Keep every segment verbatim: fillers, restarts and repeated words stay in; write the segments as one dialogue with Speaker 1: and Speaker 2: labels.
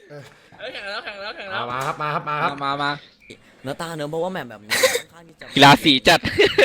Speaker 1: แข่งแล้วแข่งแล้วแข่งแล้
Speaker 2: เอา
Speaker 1: ว
Speaker 2: มาครับมาครับมาครับ
Speaker 3: มามา
Speaker 4: เนื้อตาเนื้อเพราะว่าแมปแบบนี้ค่อนข้างที่จะ
Speaker 5: กีฬาสีจัด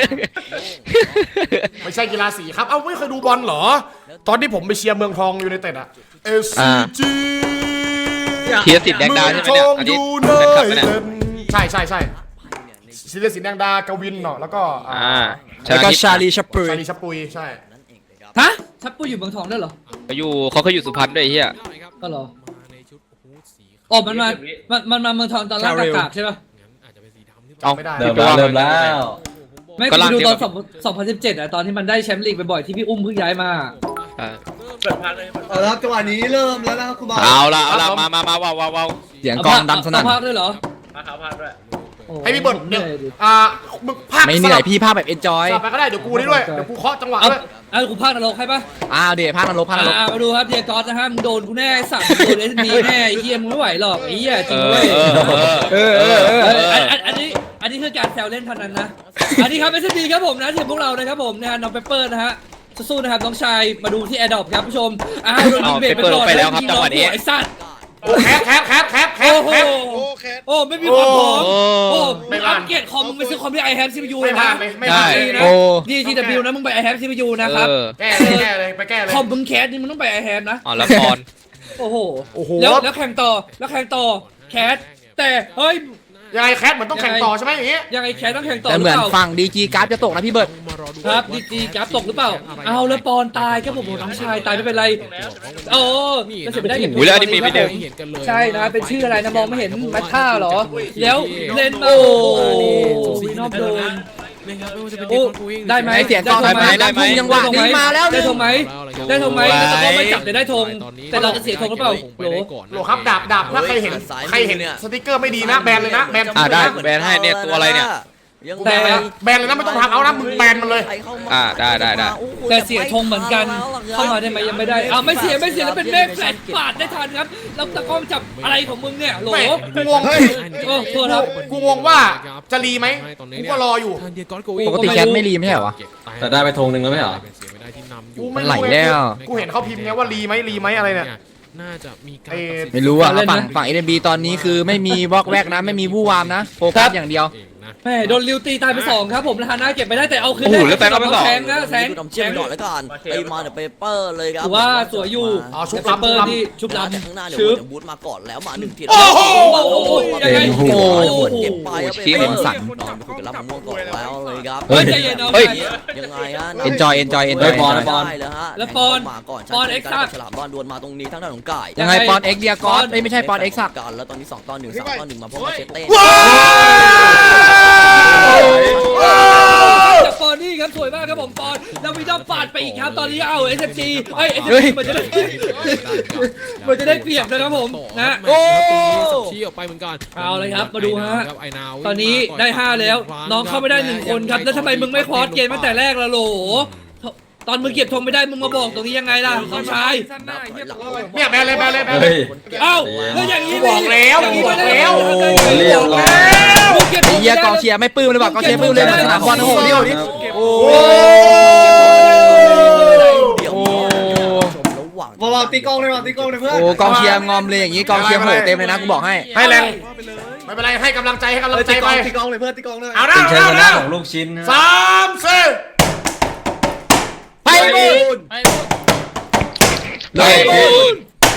Speaker 2: ไม่ใช่กีฬาสีครับเอ้าไม่เคยดูบอลเหรอตอนที่ผมไปเชียร์เมืองทองยูไนเต็ดอะ เอส ซี จี
Speaker 5: เทียร์สิทธิ์แดงดาวใช่ไหมเนี่ยอันนี้
Speaker 2: เมืองทองยูไน
Speaker 5: เป็นขับไหมเนี่ย
Speaker 2: เต็ดใช่ใช่ใช่ศิลสินแดงดากวินเนาะแล้วก็
Speaker 5: อ่า
Speaker 3: แล้วก็ชาลีชัปปรี
Speaker 2: ชาลีชับปุยใช่
Speaker 4: นั่นเองเลยครับ
Speaker 1: ฮะชับปุยอยู่เมืองทองด้วยเหรอ
Speaker 5: เขาอยู่เขาเคยอยู่สุพรรณด้วยไอ้เฮีย
Speaker 1: ก็เหรออ๋อมันมามันมันมาเมืองทองตอนล่างกากๆใช่ป่ะ
Speaker 5: เอา
Speaker 2: ไม่ได้
Speaker 6: เริ่มแล้วเริ่มแล้ว
Speaker 1: ไม่
Speaker 5: ก็
Speaker 1: กู
Speaker 5: ล่าง
Speaker 1: ดู
Speaker 5: เดียว
Speaker 1: ต
Speaker 5: กั
Speaker 1: อบ นสองพันสิบเจ็ดอะตอนที่มันได้แชมป์ลีกบ่อยๆที่พี่อุ้มเพิ่งย้ายมา
Speaker 5: อ่า
Speaker 7: เอาละครับจังหวะนี้เริ่มแล้วนะครับคุณบอล
Speaker 5: เอาละเอาละมามามาว้าวว้าวว้าว
Speaker 3: เสียงกลองดังสนั่น
Speaker 1: เอาภาคด้วยเหรอ
Speaker 8: มาขาวพาดด้วย
Speaker 1: โอ้
Speaker 2: ให้พี่เบิร์ด
Speaker 1: เห
Speaker 2: เนี่ย
Speaker 1: นื่อยดิ
Speaker 2: อ่ามึงภาค
Speaker 3: ไม่เหนื่อยพี่ภาพแบบเอนจอย
Speaker 2: สลับไปก็ได้เดี๋ยวกูนี่ด้วยเดี๋ยวกูเคาะจังหวะ
Speaker 1: เอา
Speaker 2: ด้วย
Speaker 1: เอากูภาคนรกให้ปะ
Speaker 3: อ้าวเดี๋ยวภาคนรกภาคนรก
Speaker 1: อ่ามาดูครับเดียกอสนะฮะมึงโดนกูแน่สั่งโดนเอสบีแน่ไอ้เหี้ยมึงไม่ไหวหรอกไอ้เหี้ยจ
Speaker 5: เอ
Speaker 1: ริง
Speaker 5: อ
Speaker 1: เว้ย
Speaker 5: เออเออเออเออ
Speaker 1: เอ้ย
Speaker 5: เอ
Speaker 1: อัน
Speaker 5: อ
Speaker 1: อันอันนี้อันนี้คือการแซวเล่นเท่านั้นนะ อันนี้ครับเอสบีครับผมนะทีมพวกเรานะครับผมนะฮะน้องเปเปอร์นะฮะสู้ๆนะครับน้องชายมาดูที่แอร์ดรอปครับผู้ชมอ้าวโดนยิงเบรกไปก่อน
Speaker 5: ไปแล้วครับจังหวะนี้
Speaker 1: ไอ้สัตว์
Speaker 2: โอ้แคปแคปแคปแคปแค
Speaker 1: โอ้
Speaker 2: ป
Speaker 1: โห
Speaker 2: แคป
Speaker 1: โอ้ไม่มีความพร้อม
Speaker 5: โอ้
Speaker 1: โอ้
Speaker 2: ไม่
Speaker 1: มึง
Speaker 2: ผ่า
Speaker 1: อั
Speaker 2: น
Speaker 1: ปเกรดคอมมึงไปซื้อคอมที่ไอแฮมซีพียู
Speaker 2: ไม่
Speaker 1: เลย
Speaker 2: ผ่า
Speaker 1: นะ
Speaker 2: นเลยไม่
Speaker 5: ได้
Speaker 2: ผ่านเลย
Speaker 1: นะ
Speaker 3: โอ้
Speaker 1: ดีทีดับบิวนะมึงไปไอแฮมซีพียูนะครับ
Speaker 5: เออ
Speaker 2: แก้เลยแก้เลยไปแก้เลย
Speaker 1: คอมมึงแคสนี่มึงต้องไปไอแฮมนะ
Speaker 5: อ๋อละคร
Speaker 1: โอ้โห
Speaker 2: โอ้โห
Speaker 1: แล้วแล้วแข่งต่อแล้วแข่งต่อแคสแต่เฮ้ย
Speaker 2: ยังไงแคทเหมือนต้องแข่งต่อใช่ไหมอย่างงี้
Speaker 1: ยังไงแคสต้องแข่งต่อ
Speaker 3: แต่
Speaker 1: หรื
Speaker 3: เหมื
Speaker 1: อ
Speaker 3: อน
Speaker 1: เปล่า
Speaker 3: ฝั่งดีจีกราฟจะตกนะพี่เบิร์ด
Speaker 1: ครับดีจีกราฟตกหรือเปล่าเอาแล้วปอนตายครับผมน้องชายตายไม่เป็นไรโอ้จะเสียไม่ได้เก็บ
Speaker 5: อุ้ยแล้วอันนี้มีไปเดิม
Speaker 1: ใช่นะเป็นชื่ออะไรนะมองไม่เห็นมาท่าเหรอแล้วเล่นมาโอ้วีนอมโดนโอ้ได้ไหม
Speaker 3: ไอเสียงกลอง
Speaker 1: ได้
Speaker 3: ทำไม
Speaker 1: ไหม
Speaker 3: ดังทุ่งยังหวะดีมาแล้ว
Speaker 1: ได้ธงไหมได้ธงไหมแล้วก็ไม่จับแต่ได้ธงแต่เราจะเสียธงหรือเปล่าโหล
Speaker 2: โหลครับดาบดาบถ้าใครเห็นใครเห็นสติกเกอร์ไม่ดีนะแบนเลยนะแบน
Speaker 5: อ่าได้แบนให้เนี่ยตัวอะไรเนี่ย
Speaker 4: ยัง
Speaker 2: แบนเลยนะแบนเลยนะไม่ต้องทำเอานะมึงแบนมันเลย
Speaker 5: อ่าได้ได้ได้
Speaker 1: แต่เสียธงเหมือนกันเข้ามาได้ไหมยังไม่ได้อ้าวไม่เสียไม่เสียแล้วเป็นเมฆแฟลชปาดได้ทันครับแล้วตะก้องจับอะไรของมึงเนี่ยโหล
Speaker 2: ไม่กูงง
Speaker 1: โอ้ตัวครับ
Speaker 2: กูงงว่าจะรีไหมกูก็รออยู่
Speaker 3: ปกติแคทไม่รีไม่ใช่เหรอวะ
Speaker 6: แต่ได้ไปธงหนึ่งแล้วไม่เหรอ
Speaker 2: กู
Speaker 3: มั
Speaker 2: ไม่
Speaker 3: นไหล
Speaker 2: รู้
Speaker 3: แล้ว
Speaker 2: กูเห็นเขาพิมพ์ไงว่ารีไหมรีไหมอะไรเนี่ย
Speaker 8: น่าจะมีการ
Speaker 2: เอ่อ
Speaker 3: ไม่รู้อ่ะฝั่งฝั่งเอ็นบีตอนนี้คือไม่มีวอกแวกนะไม่มีวู่วามนะโฟกัสอย่างเดียว
Speaker 1: แม่โดนลิวตีตายไปสองครับผมนะฮะน่าเก็บไปได้แต่เอาคืน
Speaker 5: โอ้โหแล้วแฟนก็ไปสอง
Speaker 1: แสงนะแสง
Speaker 4: ดมเชี่ยก่อนแล้วกันตีมาเนี่ยเปเปอร์เลยครับ
Speaker 1: ถือว่าสวยอยู่
Speaker 2: อ๋อชุบ
Speaker 1: แต่
Speaker 2: ลำ
Speaker 1: เปอร์
Speaker 2: ชุบลำ
Speaker 1: นี่ชุบล
Speaker 4: จากข้างหน้าเนี่ย
Speaker 1: ำชึบ
Speaker 4: บูทมาก่อนแล้วมาหนึ่งที
Speaker 2: โอ้โห
Speaker 1: โอ้โหยังไง
Speaker 3: โอ้โห
Speaker 4: เก็บไปครับ
Speaker 5: ชี้
Speaker 4: เป
Speaker 5: เหมื
Speaker 4: เป
Speaker 5: อ
Speaker 4: อน ร์
Speaker 5: สั่น
Speaker 4: นอนไปคุยกับรับมะม่วงก่อนแล้วเลยครับ
Speaker 1: เฮ้ยใจเย็นเอา
Speaker 5: เฮ้ย
Speaker 4: ยังไงฮะ
Speaker 3: enjoy enjoy enjoy
Speaker 6: บอลบอล
Speaker 4: ได้เลยฮะ
Speaker 1: แล้วปอน
Speaker 4: มาก่อน
Speaker 1: ปอนเอ็กซ์ซัก
Speaker 4: ฉลามบอลดวลมาตรงนี้ทั้งด้านของกาย
Speaker 3: ยังไงปอนเอ็กเดียกอสไม่ใช่ปอนเอ็กซ์สัก
Speaker 4: กันแล้วตอนนี้สองต่อหนึ่งสามต่อหนึ่งมาพบกับเชตเต้
Speaker 1: จากปอนนี่ครับสวยมากครับผมปอนแล้วมีดอมปาดไปอีกครับตอนนี้เอาเอสเอ็มจีเอ้ยเอสเอ็มจีเหมือนจะได้เหมือนจะได้เปรียบนะครับผมนะ
Speaker 8: โอ้ชี้ออกไปเหมือนกัน
Speaker 1: เอาเลยครับมาดูฮะ
Speaker 8: ไอ้นาว
Speaker 1: ตอนนี้ได้ห้าแล้ว น้องเข้าไม่ได้หนึ่งคนครับแล้วทำไมมึงไม่คอสเกมตั้งแต่แรกล่ะโหลตอนมึงเก็บธงไม่ได้มึงมาบอกตรงนี้ยังไงล่ะน้องชาย
Speaker 2: เนี่ยแบนเลยแบนเลยแบนเล
Speaker 6: เฮ้
Speaker 2: ย
Speaker 6: ย
Speaker 1: เอ้าแล้วอย่างนี้
Speaker 2: บอกแล้ว
Speaker 1: อย่างนี้ไม่ได้
Speaker 2: บอกแล้ว
Speaker 6: เรียบร้อย
Speaker 1: มึงเก็บธ
Speaker 3: ไอ้
Speaker 1: ง
Speaker 3: เหี้ยกองเชียร์ไม่ปลื้มเลยว่ะกองเชียร์ไม่ปลื้มเลยเหมือนสนามบอลโอ้โหนี่โอ้โหนี่โอ้
Speaker 4: เดี๋ยว
Speaker 3: โอ้
Speaker 4: ระหว่าง
Speaker 7: บอลตีกองเลยว่ะตีกองเลยเพื่อน
Speaker 3: โหกองเชียร์งอมเลยอย่างงี้กองเชียร์โหเต็มเลยนะกูบอกให้
Speaker 2: ให้แรงไม่เป็นไรให้กำลังใจให้กำลังใจ
Speaker 7: ตีก
Speaker 2: ไป
Speaker 7: องตีกองเลยเพื่อนตีกองเลย
Speaker 2: เอาหน้า
Speaker 6: เป็น
Speaker 2: เอา
Speaker 6: ชัย
Speaker 2: ห
Speaker 6: ช
Speaker 2: น้า
Speaker 6: นะ
Speaker 2: เอาหน้า
Speaker 6: ของลูกชิ้นนะ
Speaker 2: สามสี่
Speaker 3: ไปบูน
Speaker 6: ไปบูน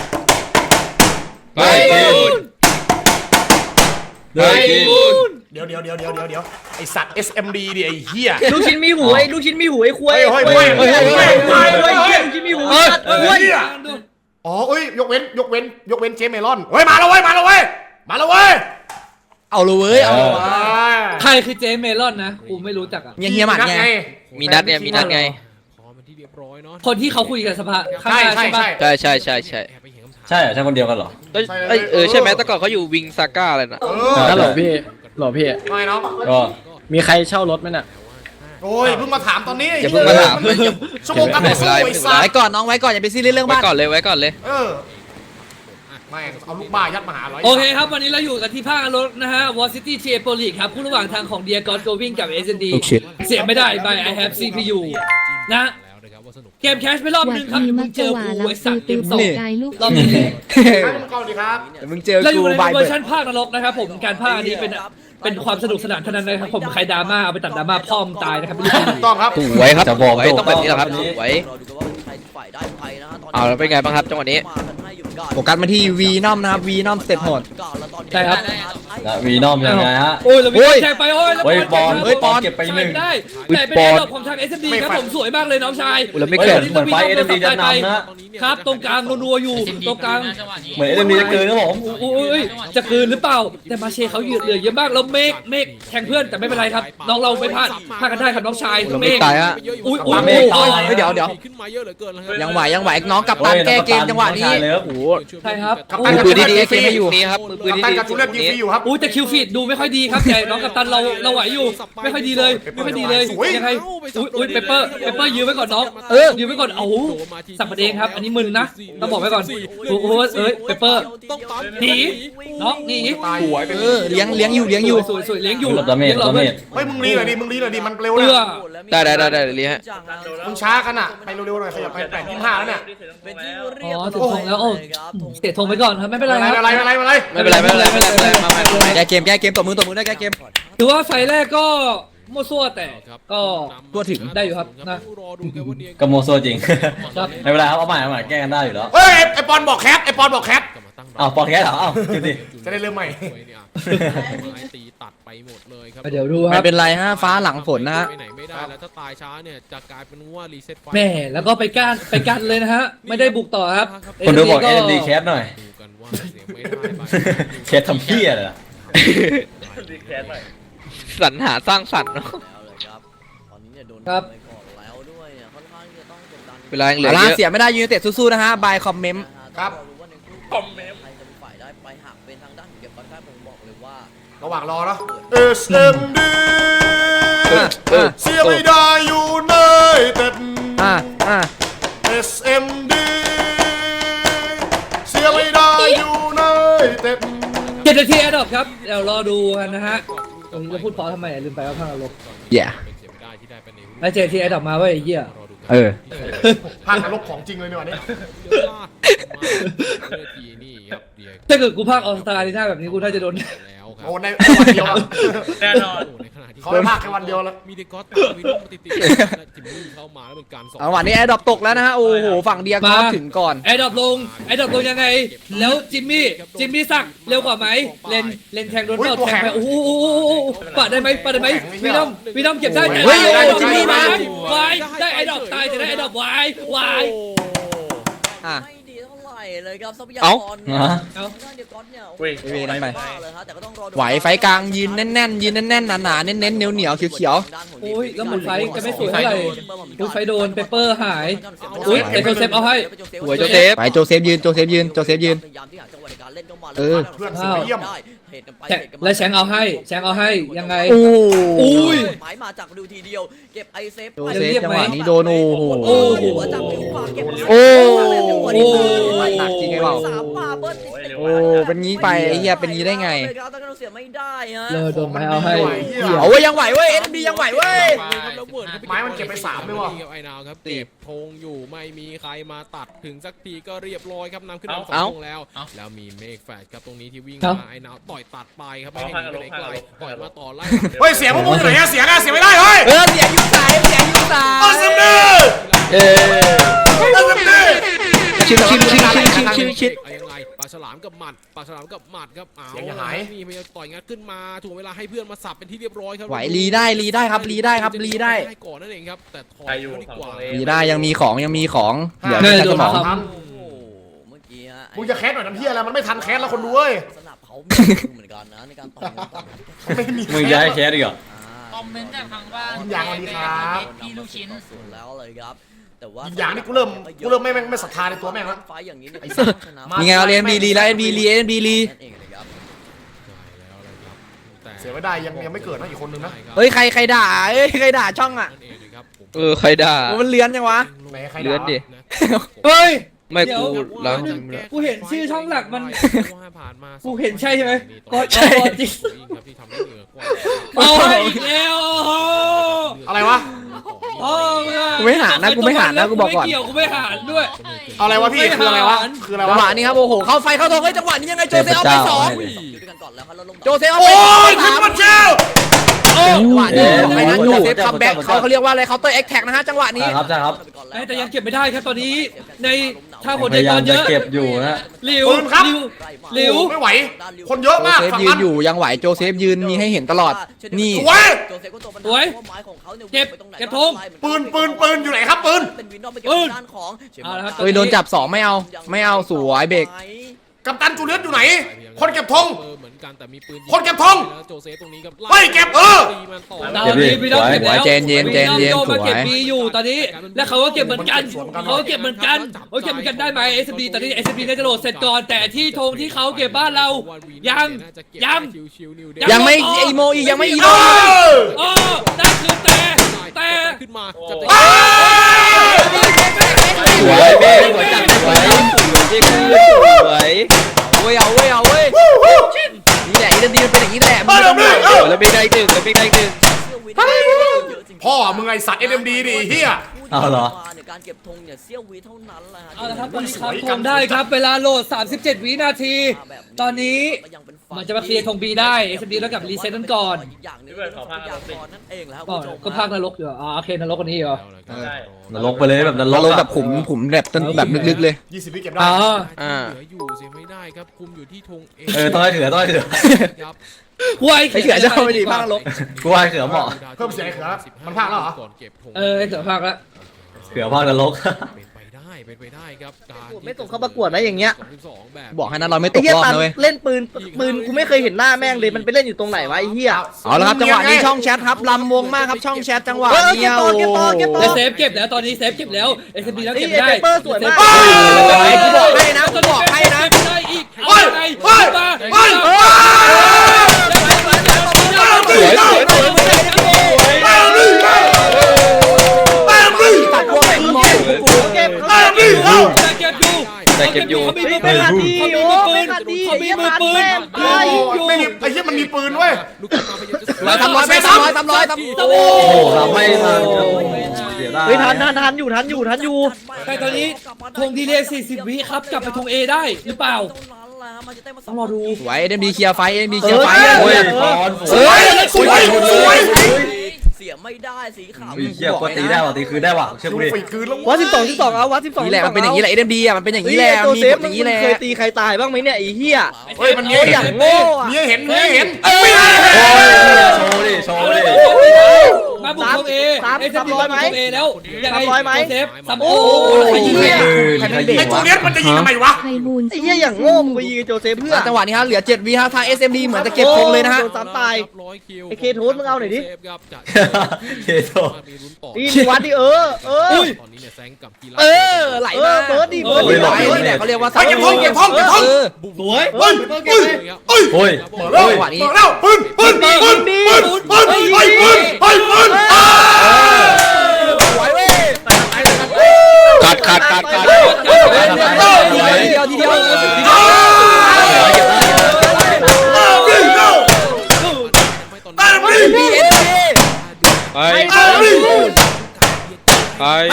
Speaker 6: ไปบูนไปบูน
Speaker 2: เดี๋ยวเดี๋ยวเดี๋ยวเดี๋ยวเดี๋ยวเดี๋ยวไอสัตว์ เอส เอ็ม ดี ดิไอเหี้ย
Speaker 1: ลูกชิ้นมีหูไอ้ลูกชิ้นมีหูไอ้ควาย
Speaker 2: เฮ้ยเฮ้ยเฮ้ยเฮ้ยเฮ้ยเฮ้ยเฮ้ยเฮ้ย
Speaker 1: ลูกชิ้นมีหู
Speaker 2: เฮ้ยอ๋อเอ้ยยกเว้นยกเว้นยกเว้นเจมเมลอนเฮ้ยมาแล้วเว้ยมาแล้วเว้ยมาแล้วเว้ย
Speaker 3: เอาเลยเว้ยเอาเลยว่ะ
Speaker 1: ใครคือเจเมลอนนะกูไม่รู้จักอ่ะ
Speaker 3: เงี้ยเฮียหมัดไง
Speaker 5: มีนัดเนี่ยมีนัดไง
Speaker 8: ขอมันที่เรียบร้อยเนาะ
Speaker 1: คนที่เขาคุยกับสภาข้าง
Speaker 2: ใช่
Speaker 1: หน้า
Speaker 2: ใช่
Speaker 1: ใช่ปะ
Speaker 2: ใช่
Speaker 5: ใช่ใช่ใช่ใช่
Speaker 8: แอบไปเห็นคำถาม
Speaker 6: ใช่เหรอใช่คนเดียวกันเหรอ
Speaker 5: เอ้ยเอ้ยเออใช่ไหมแต่ก่อนเขาอยู่วิงซาก้าอะไรน่ะ
Speaker 2: เออ
Speaker 6: ฮัลโหลพี่
Speaker 9: หรอพี่
Speaker 2: ไม่เนาะ
Speaker 6: ก็
Speaker 9: มีใครเช่ารถไหมน่ะ
Speaker 2: โอ้ยเพิ่งมาถามตอนนี้
Speaker 5: อย่าเพิ่งมาถาม
Speaker 2: ชั่วโมงกันต่อสู้ไอ้สัต
Speaker 3: ไว้
Speaker 2: ว์
Speaker 3: ก่อนน้องไว้ก่อนอย่าไปซีเรียสเรื่อง
Speaker 5: ไว้
Speaker 3: บ้าน
Speaker 5: ก่อนเลยไว้ก่อนเลย
Speaker 2: เออไม่เอาลูกบ้ายัดมาหาร้อย
Speaker 1: โอเคครับวันนี้เราอยู่กันที่ภาครถนะฮะวอซิตี้เชโปลีกครับคู่ระหว่างทางของเดียกอสโกวิ่งกับเอสเอ็นดีเสียไม่ได้ by I have ซี พี ยู นะ
Speaker 8: แล้วนะครับว่าสนุก
Speaker 1: เกมแคชไปรอบนึงครับมึงเจอกูไอ้สัตว์เต็มสอง
Speaker 3: นี่
Speaker 1: รอบนี้
Speaker 2: ครับมึงก่อนดีครับ
Speaker 3: เดี๋ยวมึงเจอ
Speaker 1: เราอ
Speaker 3: กู
Speaker 1: ยู่ใน
Speaker 3: บาย
Speaker 1: เว
Speaker 3: เบิ
Speaker 1: อ
Speaker 3: ร์
Speaker 1: ร์ชันภาคนรกนะครับผมการภาคอันนี้เป็นเป็นความสนุกสนานเท่านั้นนะครับผมใครดราม่าเอาไปตัดดราม่าพ่อมงตายนะครับไม่รู้
Speaker 2: ถูกต้องครับ
Speaker 5: สวยครับ
Speaker 6: จะบอก
Speaker 5: สวยต้องแบบนี้แหละครับสวย
Speaker 4: รอดูกันว่าใครฝ่ายได้ไปนะฮะตอนนี้
Speaker 5: เอาแล้วเป็นไงบ้างครับจังหวะนี้
Speaker 4: มากันให้อยู่เหมือนกัน
Speaker 3: โฟกัสมาที่วีนอมนะครับวีนอมสเต็ปโหด
Speaker 1: ใช่ครับ
Speaker 6: แล้ววีนอมยังไงฮะ
Speaker 1: โอ้ยเรามีแข่งไปโอ้ยแล้ว
Speaker 6: เฮ้ยบอล
Speaker 1: ครับ
Speaker 6: เฮ้ยบอลเก็บไปหนึ่ง
Speaker 1: ได้
Speaker 5: อุ๊ย
Speaker 1: แต่เป็น
Speaker 5: บอล
Speaker 1: ระดับของทาง เอส เอ็ม ดี ครับผมสวยมากเลยน้องชาย
Speaker 5: อุ๊ยแล้วไม่
Speaker 6: เฮ้ย
Speaker 5: เกิด
Speaker 6: เหมือนไฟเอ็มดีจะนำนะ
Speaker 1: ครับตรงกลางนัวๆอยู่ตรงกลาง
Speaker 6: เหมือนเอ็มดีจะเกินนะผม
Speaker 1: อุ้ยจะคืนหรือเปล่า แต่มาเชเขาเหลือเยอะมากแล้วเมฆเมฆแทงเพื่อนแต่ไม่เป็นไรครับน้องเราไม่พลาดพลาดกันได้ครับน้องชาย
Speaker 5: เรา
Speaker 1: เม
Speaker 5: ไม่
Speaker 1: ฆ
Speaker 5: ตายฮะ
Speaker 1: อุ๊ยอุ๊ย
Speaker 3: เมฆตายเฮ้ยเดี๋ยวเดี๋ยว
Speaker 8: ขึ้นมาเยอะเหลือเกินแล้วครับ
Speaker 3: ยังไหวยังไหวน้องกับตันแก้เกมจังหวะนี้
Speaker 6: เลยครับ
Speaker 3: โอ้โห
Speaker 1: ใช่ครับ
Speaker 2: กัป
Speaker 1: โอ้
Speaker 2: ตัน
Speaker 1: ย
Speaker 5: มือปืนดีๆเกมไม่อยู่นี่ครับมือปืน
Speaker 2: กัป
Speaker 5: ดี
Speaker 2: ตันกับจูเลียนยิงฟรีอยู่ครับ
Speaker 1: อุ้ยแต่คิวฟีดดูไม่ค่อยดีครับแต่น้องกัปตันเราเราไหวอยู่ไม่ค่อยดีเลยไม่ค่อยดีเลย
Speaker 2: สวย
Speaker 1: ยังไงอุ้ยอุ้ยเปเปอร์เปเปอร์ยืมไว้ก่อนน้องเออยืมไว้ก่อนเอาสับประเด็นครับอันนี้มึนนะต้องบอกไว้ก่อนโอ้โหเอ้ยเปเปอร์
Speaker 8: ต้องตาม
Speaker 1: หนีน้องหนี
Speaker 2: ตาย
Speaker 3: เออเลี้ยงเลี้ยงอยู่เลี้ยงอยู่
Speaker 1: สวยสวยเลี้ยงอยู่
Speaker 6: หลบดาเมจ
Speaker 1: ลี้ยง
Speaker 6: ดา
Speaker 1: เรา
Speaker 6: เม
Speaker 1: เว้ย
Speaker 6: จ
Speaker 2: เฮ้ยมึงรีหน่อยดิมึงรีหน่อยดิมันเร็ว
Speaker 1: เอื้
Speaker 2: นะ
Speaker 1: อ
Speaker 5: ได้ได้ได้ได้เรียฮะ
Speaker 2: มึงช้ากันอ่ะไปเร็วๆหน่อยขยับไปแปดยี่สิบห้าแล้วเนี่ย
Speaker 4: เป็นที่เรียบ
Speaker 1: อ๋อ
Speaker 4: ร้
Speaker 1: ถึงธงแล้วโอ้
Speaker 4: ครับผม
Speaker 1: เสียธงไปก่อนครับไม่เป็นไร
Speaker 2: อะไร
Speaker 1: ครับ
Speaker 2: อะไรอะไรอะไร
Speaker 5: ไม่เป็นไรไม่เป็นไรไม่เป็นไรไม่เป็นไรมามา
Speaker 3: แก้เกมแก้เกมตบมือตบมือได้แก้เกม
Speaker 1: ถือว่าไฟแรกก็มั่วซั่วแต่ก็
Speaker 3: ทั่วถึง
Speaker 1: ได้อยู่ครับนะ
Speaker 8: รอดูกันว่าเนีย
Speaker 6: กโมโซจริง
Speaker 1: ครับ
Speaker 6: ไม่เป็นไรครับเอาใหม่เอาใหม่แก้กันได้อยู่แล้ว
Speaker 2: เฮ้ยไอปอนบอกแคทไอปอนบอกแคท
Speaker 8: กลับมาตั้ง
Speaker 6: อ้าวปอนแก้เหรออ้าวดูดิ
Speaker 2: จะได้เริ่มใหม่
Speaker 8: ตีตัดไปหมดเลยครับ
Speaker 1: เดี๋ยวดูค
Speaker 3: ไม่
Speaker 1: รับ
Speaker 3: เป็นไรฮะฟ้าหลังฝนนะฮะ
Speaker 8: ไปไหนไม่ได้แล้วถ้าตายช้าเนี่ยจะกลายเป็นว่ารีเซ็ตไฟ
Speaker 1: แม่แล้วก็ไปก้านไปกันเลยนะฮะไม่ได้บุกต่อครับ
Speaker 6: คนดูบอกเอ็มดีแคสหน่อย
Speaker 8: ดูกันว่าเสียงไม่ได้ไป
Speaker 6: แคสทำเพี้ยเลยอะ
Speaker 5: สรรหาสร้างสรรค์เนาะ
Speaker 4: แล้วเลยครับตอนนี้เนี่ยโดน
Speaker 1: ครับ
Speaker 4: ไปก่อนแล้วด้วยเนี่ยค่อนข้างที่จะต้องกดดัน
Speaker 5: เวลายังเหลือ
Speaker 3: เอา
Speaker 5: เย
Speaker 3: ละ
Speaker 5: อะ
Speaker 3: เสียไม่ได้ยูไนเต็ดสู้ๆนะฮะบายคอมเมนต์
Speaker 2: ครับ
Speaker 4: คอมเมนต์ใครจะเป็นฝ่ายได้ไปหากเป็นทางด้านของเก็บคอนแทคผมบอกเลยว่า
Speaker 2: ระหว่างรอเนาะ เอส เอ็ม ดี
Speaker 3: อ่ะอ่ะ
Speaker 2: เสียไม่ได้อยู่ในเต็ด
Speaker 3: อ่ะอ่ะ
Speaker 2: เอส เอ็ม ดี เสียไม่ได้อยู่ในเต็ด
Speaker 1: เจ็ดนาทีแอดดอปครับเดี๋ยวรอดูกันนะฮะตรงนี้จะพูดเพอทำไมลืมไปว่าภาคลบ
Speaker 3: แย่
Speaker 8: เป็นเสียไม่ได้ที่ได้ไปใน
Speaker 1: แล้วเจ็ดนาทีแอดดอปมาเว้ยไอ้เหี้ย
Speaker 8: รอดูกัน
Speaker 3: เออ
Speaker 2: ภาคนรกของจริงเลยเนี่ยวันนี้
Speaker 8: ทีนี่ครับเดีย
Speaker 1: ถ้าเกิดกูภาคออสตาลีน่าแบบนี้กูน่าจะโดน
Speaker 8: แล้วครั
Speaker 2: โอ้ในวันเดียวอะ
Speaker 8: แน่นอนในขณะที่
Speaker 2: เขาไปภาคแค่วันเดียวแล้ว
Speaker 8: มีเดกอสตามมีลูกมาติดติดจิมมี่เข้ามาแล้วเป็นการสอง
Speaker 3: เอาวันนี้แอร์ดรอปตกแล้วนะฮะโอ้โหฝั่งเดียกอล์ฟถึงก่อน
Speaker 1: แอดดอปลงแอดดอปลงยังไง แล้วจิมมี่จิมมี่สักเร็วกว่าไหมเลนเลนแทงโดนเปล่าแทงไปโอ้โหปาดได้ไหมปาดได้ไหมวีดอมวีดอมเก็บได้แต่
Speaker 3: เฮ้ย
Speaker 1: ได้
Speaker 3: จิมมี่มา
Speaker 1: วายได้ไอดอปตายแต่ได้ไอดอปวายวาย
Speaker 3: อ่ะ
Speaker 4: ไม่ดีเท่าไหร่เลยครับทรัพยา
Speaker 5: เอ้า
Speaker 4: กร
Speaker 6: ฮะ
Speaker 4: ทางด้านเดียกอนเนี่ยโอ้โห
Speaker 3: เว้ยนั่นไป
Speaker 4: บ้าเลยฮะแต่ก็ต้องรอดู
Speaker 3: ไหวไฟกลางยืนแน่นๆยืนแน่นๆหนาๆเน้นๆเหนียวเหนียวๆเขียว
Speaker 1: โอ้ยแล้วเหมือนไฟจะไม่สวยเท่าไหร่อุ้ยไฟโดนเปเปอร์หาย อุ๊ยแต่โจเซฟเอาให้
Speaker 5: สวยโจเซฟ
Speaker 3: ๆไปโจเซฟยืนโจเซฟยืนโจเซฟยืน
Speaker 4: พยายามที่หาจังหวะในการเล่นเข้ามา
Speaker 3: เออ
Speaker 2: เพื่อนสุดเยี่ยม
Speaker 4: ได้เหตุกันไป
Speaker 1: แช
Speaker 4: เหตุกันมา
Speaker 1: และแชงเอาให้แชงเอาให้ยังไง
Speaker 3: โอ้
Speaker 1: อุ้ย
Speaker 4: หมายมาจากดูทีเดียวเก็บไอเซฟ
Speaker 3: โจเซฟจังหวะนี้โดนโอ้โห
Speaker 1: โอ้โห
Speaker 4: จากฟิวฝากเก็บ
Speaker 3: โอ้
Speaker 1: โอ้
Speaker 3: หนักจริงไอ้เปล่า
Speaker 4: สามมาเบิ้ลติดๆ
Speaker 3: โอ้เป็นงี้ไปไอ้เหี้ยเป็นงี้ได้ไง
Speaker 4: เลยครับแต่ก็เสียไม่ได้ฮะ
Speaker 1: เลยโดนไม้เอาให้
Speaker 3: เอาเว้ยยังไหวเว้ยเอ็นบียังไหวเว้ย
Speaker 2: ไม้มันเก็บไปสามเลยว่ะ
Speaker 8: ไอ้นาวครับเก็บธงอยู่ไม่มีใครมาตัดถึงสักทีก็เรียบร้อยครับนำขึ้นมาสองธงแล้ว แล้วมีเมฆแฟดครับตรงนี้ที่วิ่งมาไอ้นาวต่อยตัดไปครับไม่ให้หนีไปไหนไกลต่อยมาต่อไล่
Speaker 2: เฮ้ยเสียงพวกมึงอยู่ไหนอะเสียงอะเสียงไม่ได้เฮ้ย
Speaker 3: เออเสียยุคสายเสียยุคสา
Speaker 2: เอส
Speaker 3: ย
Speaker 2: เอ็ม ดี
Speaker 5: เออ
Speaker 2: เอส เอ็ม ดี
Speaker 5: ชิมชิมชิมชิมชิมชิมชิม
Speaker 8: เอายังไงปลาฉลามกับหมัดปลาฉลามกับหมัดครับเอา
Speaker 2: เสียงอย่าหาย
Speaker 8: มีพยายามต่อยงัดขึ้นมาถูกเวลาให้เพื่อนมาสับเป็นที่เรียบร้อยครับ
Speaker 3: ไหวรีได้รีได้ครับรีได้ครับรีได้
Speaker 8: ก่อนนั่นเองครับแต่ถอยมาดีกว่า
Speaker 3: รีได้ยังมีของยังมีของเหลือ
Speaker 1: เออ
Speaker 3: แค่
Speaker 1: โด
Speaker 3: ส
Speaker 1: น
Speaker 3: มอง
Speaker 1: ครับ
Speaker 4: โอ้โหเมื่อกี้ฮะ
Speaker 2: มึงจะแคสหน่อยน้ำเพี้ยอะไรมันไม่ทันแคสแล้วคนดูเว้ย
Speaker 4: สนับเขามีเหมือนกันนะในการต่อยต่อย
Speaker 2: ไม่มี
Speaker 6: มึงย้ายแคสอีกเหรอ
Speaker 9: คอมเมนต์จากทางบ้าน
Speaker 2: ยินอย่างสวัสดีครับ
Speaker 9: พี่ลูกชิ้น
Speaker 4: ส่วนแล้วเลยครับแต่ว่า
Speaker 2: ยินอย่างนี่กูเริ่มกูเริ่มไม่ไม่ไม่ศรัทธาในตัวแม่งแล้ว
Speaker 4: ไฟอย่างนี้เนี่ย
Speaker 2: ไอ้สัส
Speaker 3: มีไงเอาเอ็นบีรีแล้วเอ็นบีรีเอ็นบีรี
Speaker 4: นั่นเองเลยครับ
Speaker 2: เสียไม่ได้ยังยังไม่เกิดนะอีกคนนึงนะ
Speaker 3: เฮ้ยใครใครด่าเอ้ยใครด่าช่องอ่ะ
Speaker 8: นั่นเองเลยครับผม
Speaker 5: เออใครด่า
Speaker 3: โอ้มันเลื้อนจังวะ
Speaker 2: ไหนใคร
Speaker 5: เลือนดิ
Speaker 1: เฮ้ย
Speaker 5: ไม่
Speaker 1: เดี๋ยว
Speaker 5: กูแล้ว
Speaker 1: กูเห็นชื่อช่องหลักมัน
Speaker 8: ผ่านมา
Speaker 1: กูเห็นใช่ใช่ไหมก็
Speaker 3: ใช่
Speaker 1: ก็จริง
Speaker 8: ครับที่ทำได้เหนือกว่า
Speaker 1: เอาให้อีกแล้วโอ้โห
Speaker 2: อะไรวะ
Speaker 1: อ๋อ
Speaker 3: กูไม่หารนะกูไม่หารนะกูบอกก่อน
Speaker 1: ไม่เกี่ยวกูไม่หารด้วย
Speaker 2: เอาอะไรวะพี่คืออะไรวะคืออะไร
Speaker 3: จังห
Speaker 2: วะ
Speaker 3: วะนี้ครับโอ้โหเข้าไฟเข้าทองเฮ้ยจังหวะนี้ยังไงโจเซฟเอาไปสอง
Speaker 4: อยู่ด้วยกันก่อนแล้วครับแล้วลง
Speaker 3: โจเซฟเอา
Speaker 2: โอ้
Speaker 3: ไป
Speaker 2: ยขึ้นมาเชล
Speaker 3: จังหวะนี้ไอ้นั้นโจเซฟคัมแบ็กเขาเขาเรียกว่าอะไรเคาน์เตอร์แอคแท็กนะฮะจังหวะนี้
Speaker 6: ครับใช่ครับ
Speaker 1: แต่ยังเก็บไม่ได้ครับตอนนี้ในถ้าผล
Speaker 6: พ
Speaker 1: ใน
Speaker 6: ยายา
Speaker 1: ต
Speaker 6: ม
Speaker 1: อนเย
Speaker 6: จะ
Speaker 1: อะ
Speaker 6: เก็บอยู่นะ
Speaker 1: หลิวหลิวหลิว
Speaker 2: ไม่ไหว คนเยอะ
Speaker 3: โจ
Speaker 2: มาก
Speaker 3: เซฟ
Speaker 2: ฝั่ง
Speaker 3: ยื
Speaker 2: นั้น น
Speaker 3: อยู่ยังไหวโจเซฟยืนมีให้เห็นตลอดนี่
Speaker 2: สวย
Speaker 4: โจเซฟก็ตัวปัญหา
Speaker 1: สวย
Speaker 4: พราะไม้ของเขาเนี่ย
Speaker 1: เก็บ
Speaker 4: ไปตรงไหน
Speaker 1: เก็บธง
Speaker 2: ปืนปืนปืนอยู่ไหนครับปืน
Speaker 4: เป็นวินนอกไปเก็บ
Speaker 1: ปืน
Speaker 4: ด้านของ
Speaker 1: เอาละครับ
Speaker 3: เฮ้ยโดนจับสองไม่เอาไม่เอาสวยเบรก
Speaker 2: กัปตันจูเลียสอยู่ไหน คนเก็บธง
Speaker 8: เหมือนกันแต่มีปืน
Speaker 2: คนเก็บธง
Speaker 8: แล้วโจเซฟตรงนี้ครับ
Speaker 2: เฮ้ยเก็บเออ
Speaker 8: ตีมันต่อ
Speaker 1: ตอนนี้พี่น้องเก็บแล้ว
Speaker 3: เจนเย็นเจนเย็น
Speaker 1: พี่องโมาเก็บ
Speaker 3: สวย
Speaker 1: บีอยู่ตอนนี้และเขาก็เก็บเหมือนกันเขาก็เก็บเหมือนกันเขาเก็บเหมือนกันได้ไหม เอส บี ตอนนี้ เอส บี ได้จะโหลดเสร็จก่อนแต่ที่ธงที่เขาเก็บบ้านเรายังยัง
Speaker 3: ยังไม่อีโมอีกยังไม่อีโม
Speaker 2: เออ
Speaker 1: อ๋อนั่นคือแต่แต่
Speaker 8: ขึ้นมาจะ
Speaker 2: เอ้ย
Speaker 5: สวยเบ้สวยจังสวยสวย
Speaker 3: เว้ยเอาเว้ยเอาเว้ยนี่แหละอีเดนดีมันเป็นอย่างนี้แหละ
Speaker 2: เออเดี๋ยวนี้เออ
Speaker 5: แล้วเบรกได้อีกหนึ่งแล้วเบรกได้อีกหนึ่ง
Speaker 2: พ่อมึงไอสัตว์เอ็มดีดิเฮีย
Speaker 6: เอาเหรอ
Speaker 4: ในการเก็บธงเนี่ยเสี้ยววิเท่านั้นแหละฮะ
Speaker 1: เอาละครับตอนนี้ครับธงได้ครับเวลาโหลด สามสิบเจ็ด วินาที ตอนนี้มันจะมาเคลียร์ธงบีได้ เอส บี แล้วกับรีเซ็ตนั้นก่อน
Speaker 4: อีกอย่างหนึงคือทรัพยากรนั่นเองแหล้ว
Speaker 1: อ๋อก็ภาคนรกอยู่อ๋อโอเคนรกคนนี้เหรอ
Speaker 6: นรกไปเลยแบบนร
Speaker 3: เรา
Speaker 6: ก
Speaker 3: ลง
Speaker 6: อะ
Speaker 3: แบบขุมขุมแบบต้นแบบลึกๆเลย
Speaker 2: ยี่สิบวิเก็บได้
Speaker 1: อ๋อ
Speaker 3: อ่า
Speaker 8: เหลืออยู่เสียไม่ได้ครับคุมอยู่ที่ธง
Speaker 6: เออต้องให้เขือต้องให้เขือ
Speaker 8: ครับ
Speaker 1: หวย
Speaker 3: ไอ้เขือจะเข้าไปดีมากลบ
Speaker 6: กูว่าให้เขือเหมาะ
Speaker 2: เพิ่มเสียงให้เขือมันพลาดแล้วเหรอ
Speaker 8: ก่อนเก็บธง
Speaker 1: เออเสือภาคละ
Speaker 6: เขือภาคนรก
Speaker 8: เป็นไปได้เป็นไปได้ครับการ
Speaker 5: ไม่ส่งเข้าประกวดนะอย่างเงี้ย
Speaker 8: สองสิบสองแบบ
Speaker 3: บอกให้นะเราไม่ต
Speaker 5: ไอ้
Speaker 3: ก
Speaker 5: เหี้ย
Speaker 3: รอบ
Speaker 5: ตัน
Speaker 3: นะเว้ย
Speaker 5: เล่นปืนปืนกูไม่เคยเห็นหน้าแม่งเลยมันไปเล่นอยู่ตรงไหนวะไอ้เหี้ย
Speaker 3: เอาละครับจังหวะนี้ช่องแชทครับลำวงมากครับช่องแชทจังหวะ
Speaker 5: เออ
Speaker 3: นี้
Speaker 5: เก็บต่อเก็บต่อเก็บต่อ
Speaker 1: และเซฟเก็บแล้วตอนนี้เซฟเก็บแล้ว เอส บี แล้วเก็บได้
Speaker 5: ไอ้เปเปอร์สวยมาก
Speaker 3: ไอ้กูบอกให้นะกูบอกให้นะ
Speaker 1: ได้อีก
Speaker 2: เฮ้ย
Speaker 1: ไง
Speaker 2: เฮ้ย
Speaker 1: มา
Speaker 2: เฮ้ยเฮ้ย
Speaker 3: สวยสวยสวยสวย
Speaker 2: แต้มดิแต้มดิ
Speaker 3: ตัดวงไอ้มอง
Speaker 5: เก็บ
Speaker 2: แต้มดิเอ้า
Speaker 1: เก็บอยู่
Speaker 5: ไม่ขาดดีโอ้ไม่ขาดดี
Speaker 1: เขามีมือปืน
Speaker 2: โอ้ไม่มีไอ้เหี้ยมันมีปืนเว้ย
Speaker 8: ลูกขึ้นมาพยายามจะ
Speaker 3: ร้อยทำร้อยไปทำร้อยทำร้อยทำ
Speaker 1: โอ้
Speaker 6: โอ้โหเราไม่ทันเสียดาย
Speaker 5: เฮ้ยทันทันทันอยู่ทันอยู่ทันอยู่
Speaker 1: แต่ตอนนี้ธงดีเลย์สี่สิบ วิครับกลับไปธง A ได้หรือเปล่า ต้องรอดู
Speaker 3: สวยเอ็มดีเคลียร์ไฟเอ็มดีเคลียร์ไฟ
Speaker 6: โอ้ย
Speaker 3: เ
Speaker 6: บอล
Speaker 2: สวยสวยสวย
Speaker 4: เสียไม่ได้สีขาว
Speaker 6: อุ้ยเหี้ยกว่าตีได้ว่ะตีคืนได้ว่ะเชื่อกูดิ
Speaker 2: ฝีคืนแล้ว
Speaker 5: วัดสิบสองสิบสองเอาวัดสิบสอง
Speaker 3: นี่แหละมันเป็นอย่างนี้แหละเอ็มดีอ่ะมันเป็นอย่างนี้แหละ
Speaker 5: โจ
Speaker 3: มี
Speaker 5: เซ
Speaker 3: ก
Speaker 5: ฟ
Speaker 3: ฎอ
Speaker 5: มึง
Speaker 3: ย่างนี้แหละ
Speaker 5: เคยตีใครตายบ้างไหมเนี่ยไอ้เหี้ย
Speaker 2: เฮ้ยมันมี
Speaker 5: โอ้ยอย่างโง่อะ
Speaker 2: มีให้เห็นมีให้เห็น
Speaker 6: โชว์ดิโชว์ดิ
Speaker 1: มาบุกธง A เอส บี มาบุกธง A แล้วยังไงเซฟซัมโอ้
Speaker 3: ใครยิงใคร
Speaker 6: คืน
Speaker 3: ใคร
Speaker 6: ใคร
Speaker 3: ไม่เบร
Speaker 6: ยิ
Speaker 2: ไอ้
Speaker 6: ง
Speaker 2: จู
Speaker 6: วะ
Speaker 2: เลียสมันจะยิงทำไมวะ
Speaker 10: ไพบูลย์
Speaker 5: ไอ้เหี้ยอย่างโง่มึงไปยิงไอ้โจเซฟเพื่อ
Speaker 3: จังหวะนี้ฮะเหลือเจ็ดวิฮะทาง เอส เอ็ม ดี เหมือนจะเก็บธงเลยนะฮะ
Speaker 5: โดนซ้ำตาย
Speaker 8: ร้อยคิว
Speaker 5: ไอ้เคโทสมึงเอาหน่อยดิ
Speaker 6: เคโท
Speaker 8: มีลุ้นต่อ
Speaker 5: นี่มึงวัดดิเออเออ
Speaker 8: ตอนนี้เนี่ยแซงกับกีฬา
Speaker 3: เออไหลมา
Speaker 5: เออเบิร์ดดิ
Speaker 3: เออ
Speaker 5: เบิร์ดดิ
Speaker 3: ไหลนี่แหละเขาเรียกว่า
Speaker 2: เฮ้ยเก็บธงเก็บธงเก็บธง
Speaker 3: เออ
Speaker 7: สวย
Speaker 2: เฮ้ยเฮ้ยเฮ้ย
Speaker 6: โอ้ย
Speaker 2: เปิดแล้ว
Speaker 3: จังหวะนี้
Speaker 2: เปิดแล้วปืนปืนปืนปืนปืนปืนเฮ้ยปืนเฮ้ยปืนอ่า
Speaker 3: ไหวเว้ย
Speaker 5: ขาดขาดขาดขาด
Speaker 3: ทีเดียวทีเดียวทีเดียว
Speaker 2: อ่าแต้มดิเอ้าแต้มดิ
Speaker 3: บีเอส
Speaker 5: ไป
Speaker 2: แต้มดิ
Speaker 5: ไป
Speaker 3: ไป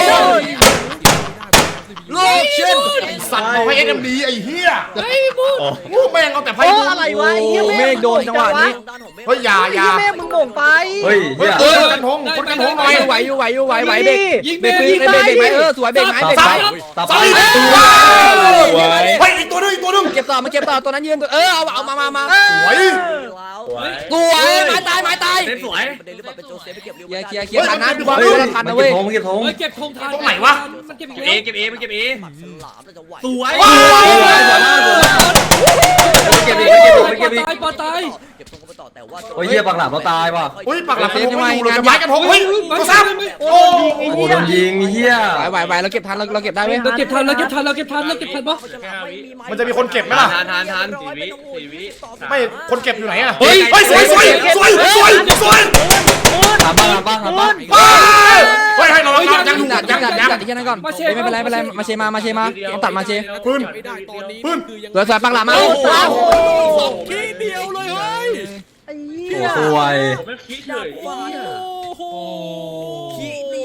Speaker 3: โลกเช่น
Speaker 2: สัตว์บอกให้เอ็มดีไอ้เหี้ยไอ้บุญแม่งเอาแต่ไพ่
Speaker 5: โอ้
Speaker 2: บุญ
Speaker 5: อะไรวะไอ้เหี้ย
Speaker 3: โอ้เมฆโดนจังหวะนี้
Speaker 2: เฮ้ยอย่า
Speaker 5: ไอ้
Speaker 2: อย่า
Speaker 5: เหี้ยแม่มึงโง่ไป
Speaker 6: เฮ้ย
Speaker 2: เฮ้
Speaker 6: เหี้
Speaker 2: ย
Speaker 6: ย
Speaker 2: คนกันทงคนกันทงหน่อย
Speaker 3: ไหวอยู่ไหวอยู่ไหวไหวเบรก
Speaker 1: ยิง
Speaker 3: เบ
Speaker 1: เบ
Speaker 3: ร
Speaker 1: ร
Speaker 3: ก
Speaker 1: ก
Speaker 3: เบรกเบรกไหมเออสวยเบรกไหมเบรกไหม
Speaker 6: ตา
Speaker 2: ส
Speaker 6: ไป
Speaker 2: ลิด
Speaker 5: สวย
Speaker 2: เฮ้ยอีกตัวนึงอีกตัวนึง
Speaker 3: เก็บต่อมาเก็บต่อตัวนั้นยืนตัวเออเอาเอามามามา
Speaker 2: สวย
Speaker 3: ตัวไม้ตายไม้ตาย
Speaker 4: สวยประเด็นหรือเปล่าเป็นโจเซฟไปเก็บ
Speaker 3: เคลียร์เคลียร์เคลียร์ทันนะดูบอลดูบอลทัน
Speaker 6: มัน
Speaker 3: นะ
Speaker 6: เก็
Speaker 3: เว้
Speaker 6: บ
Speaker 3: ย
Speaker 6: ธงมันเก็บธง
Speaker 1: เฮ้ยเก็บธงทัน
Speaker 2: ตรงไหนวะ
Speaker 1: มันเก็บอีก
Speaker 4: เอ
Speaker 1: แล้ว
Speaker 4: เก็บเอมันเก็บเอสลามจะไหว
Speaker 1: สวย
Speaker 6: เก็บอีกเก็บอีกเก็บอีก
Speaker 1: ตายปอตาย
Speaker 4: เก็บธงก็ไปต่อแต่ว่า
Speaker 6: โอ้ยเหี้ยปากหลาบเราตายว่ะ
Speaker 2: อุ้ยปากหลับกระทงไม่อยู่เลยจะไม้กระทงเฮ้ยตัวซ้ำโอ้
Speaker 6: โอ้โหโดนยิงเหี้ย
Speaker 3: ไหวไหวไหวเราเก็บทันเราเราเก็บได้เว้ย
Speaker 1: เราเก็บทันเราเก็บทันเราเก็บทันเราเก็บทันปะ
Speaker 2: มันจะมีคนเก็บไหมล่ะ
Speaker 4: ทานทานทานสี่วิสี่วิ
Speaker 2: ไม่คนเก็บอยู่ไหนอะเฮ้ยเฮ้ยสวยสวยสวยสวยสวย
Speaker 6: ถามบ้างถามบ้างถามบ้าง
Speaker 2: เฮ้ยให้เรายังยังอยู่
Speaker 3: จัด
Speaker 2: ยั
Speaker 3: จั
Speaker 2: ง
Speaker 3: ด
Speaker 2: ยัง
Speaker 3: จัดที่นั่นก่อนไม่เป็นไรไม่เป็นไรมาเชมามาเชมาต้องตัดมาเช
Speaker 2: ปืน
Speaker 8: ไม่ได้ตอนนี้
Speaker 2: ปืน
Speaker 8: คือยัง
Speaker 3: สวยสวยปังหลามา
Speaker 8: สองทีเดียวเลยเฮ้ย
Speaker 5: ไอ้
Speaker 6: โอ้
Speaker 5: เหี้ย
Speaker 6: สวย
Speaker 4: ไม่คิดเลย
Speaker 8: โอ้โห
Speaker 4: ขี้นี่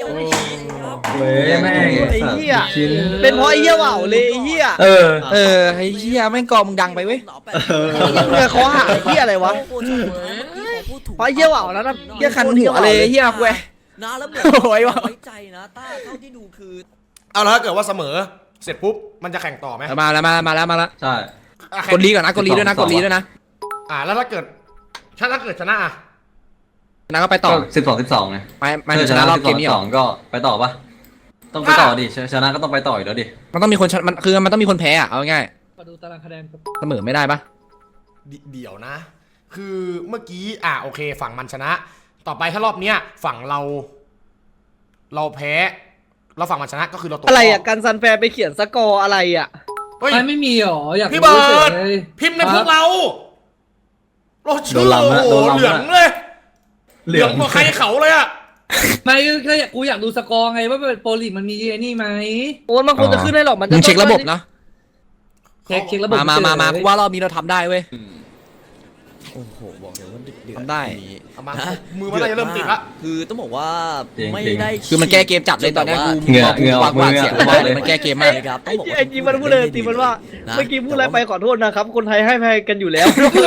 Speaker 6: เว้ยแม่ง
Speaker 5: ไอ้เหี้ย
Speaker 6: ชิ้น
Speaker 5: เป็นเพราะไอ้เหี้ยว่าวเลยไอ้เหี้ย
Speaker 6: เออ
Speaker 3: เออไอ้เหี้ยแม่งกองมึงดังไปเว้ย
Speaker 5: เออเขาหาไอ้เหี้ยอะไรวะ เพราะไอ้เหี้ยว่าวแล้วนะ
Speaker 3: เหี้ยคันหัวเลยเหี้ยเว้ย
Speaker 4: นะแล้วเหมือน
Speaker 3: โอ้ยว่ะ
Speaker 4: ไว้ใจนะต้าเท่าที่ดูคือ
Speaker 2: เอาแล้วถ้าเกิดว่าเสมอเสร็จปุ๊บมันจะแข่งต่อไหม
Speaker 3: มาแล้วมามาแล้วมาแล้ว
Speaker 6: ใช่
Speaker 2: อ่ะ
Speaker 3: กดลีก่อนนะกดลีด้วยนะกดลีด้วยนะ
Speaker 2: อ่าแล้วถ้าเกิดถ้าถ้าเกิดชนะอ่ะ
Speaker 3: นะก็ไปต่อ
Speaker 6: สิบสองสิบสองไง
Speaker 3: ไม่ไม่
Speaker 6: ถ้า
Speaker 3: ช
Speaker 6: ช
Speaker 3: นะ
Speaker 6: นะ
Speaker 3: ร
Speaker 6: ร
Speaker 3: อ
Speaker 6: อ
Speaker 3: บบ เก
Speaker 6: เก
Speaker 3: ม
Speaker 6: ม
Speaker 3: นี้
Speaker 6: ที่
Speaker 3: เหร
Speaker 6: ส
Speaker 3: อ
Speaker 6: องก็ไปต่อปะต้องไปต่อดิชชนะก็ต้องไปต่ออีกแล้วดิ
Speaker 3: มันต้องมีคนชนะมันคือมันต้องมีคนแพ้อะเอาง่าย
Speaker 1: มาดูตารางคะแนนครับ
Speaker 3: เสมอไม่ได้ปะ
Speaker 2: เดเดี๋ยวนะ คือเมื่อกี้อ่ะโอเค ฝั่งมันชนะ ต่อไปถ้ารอบเนี้ยฝั่งเรา เราแพ้เราฝั่งมันชนะก็คือเราตก
Speaker 5: อะไร
Speaker 2: ร
Speaker 5: อ่ะ
Speaker 2: บ
Speaker 5: กันซันแฟร์ไปเขียนสกอร์อะไรอ่ะ
Speaker 2: เฮ้ย
Speaker 1: ไม่ไม่มีหรออยาก
Speaker 2: พี่เบิร์ด
Speaker 1: ฉย
Speaker 2: พิมพ์ในพวกเราเรา
Speaker 6: โด
Speaker 2: ชื่อน
Speaker 6: ลำละ
Speaker 2: โอ้
Speaker 6: โด
Speaker 2: โห
Speaker 6: นลำ
Speaker 2: เหลือง
Speaker 6: ละ
Speaker 2: เลย
Speaker 6: เหลือง
Speaker 2: กว่าใครเขาเลยอ่ะ
Speaker 1: ไม่ก็อยากกูอยากดูสกอร์ไงว่าเป็นโปรลีกมันมีไอ้นี่ไหม
Speaker 5: โอ้ยมันคงจะขึ้นได้หรอกมันจะ
Speaker 3: มึงเช็คระบบนะ
Speaker 1: เช็คเช็คระบบ
Speaker 3: มามามามา
Speaker 1: เฉย
Speaker 3: กูว่ารอบนี้เราทำได้เว้ย
Speaker 4: โอ้โหบอกเลยว่าเดือดเดือด
Speaker 3: ทำได้
Speaker 4: นี้
Speaker 2: เอามามือมันน่าจะเริ่มติดละ
Speaker 4: คือต้องบอกว่า
Speaker 6: จริงๆ
Speaker 4: ไม่ได้
Speaker 3: คือมันแก้เกมจัดเลยตอนเนี้ยกู
Speaker 6: เหงื่อเหงื่อออก
Speaker 3: วาด
Speaker 6: มือ
Speaker 3: เสียง
Speaker 6: เหงื่อ
Speaker 3: วาดเลยมันแก้เกมมาก
Speaker 4: ครับ
Speaker 5: ไอ้ไอ้จีมันพูดเลยจีมันว่าเมื่อกี้พูดอะไรไปขอโทษนะครับ คนไทยให้ภัยกันอยู่แล้ว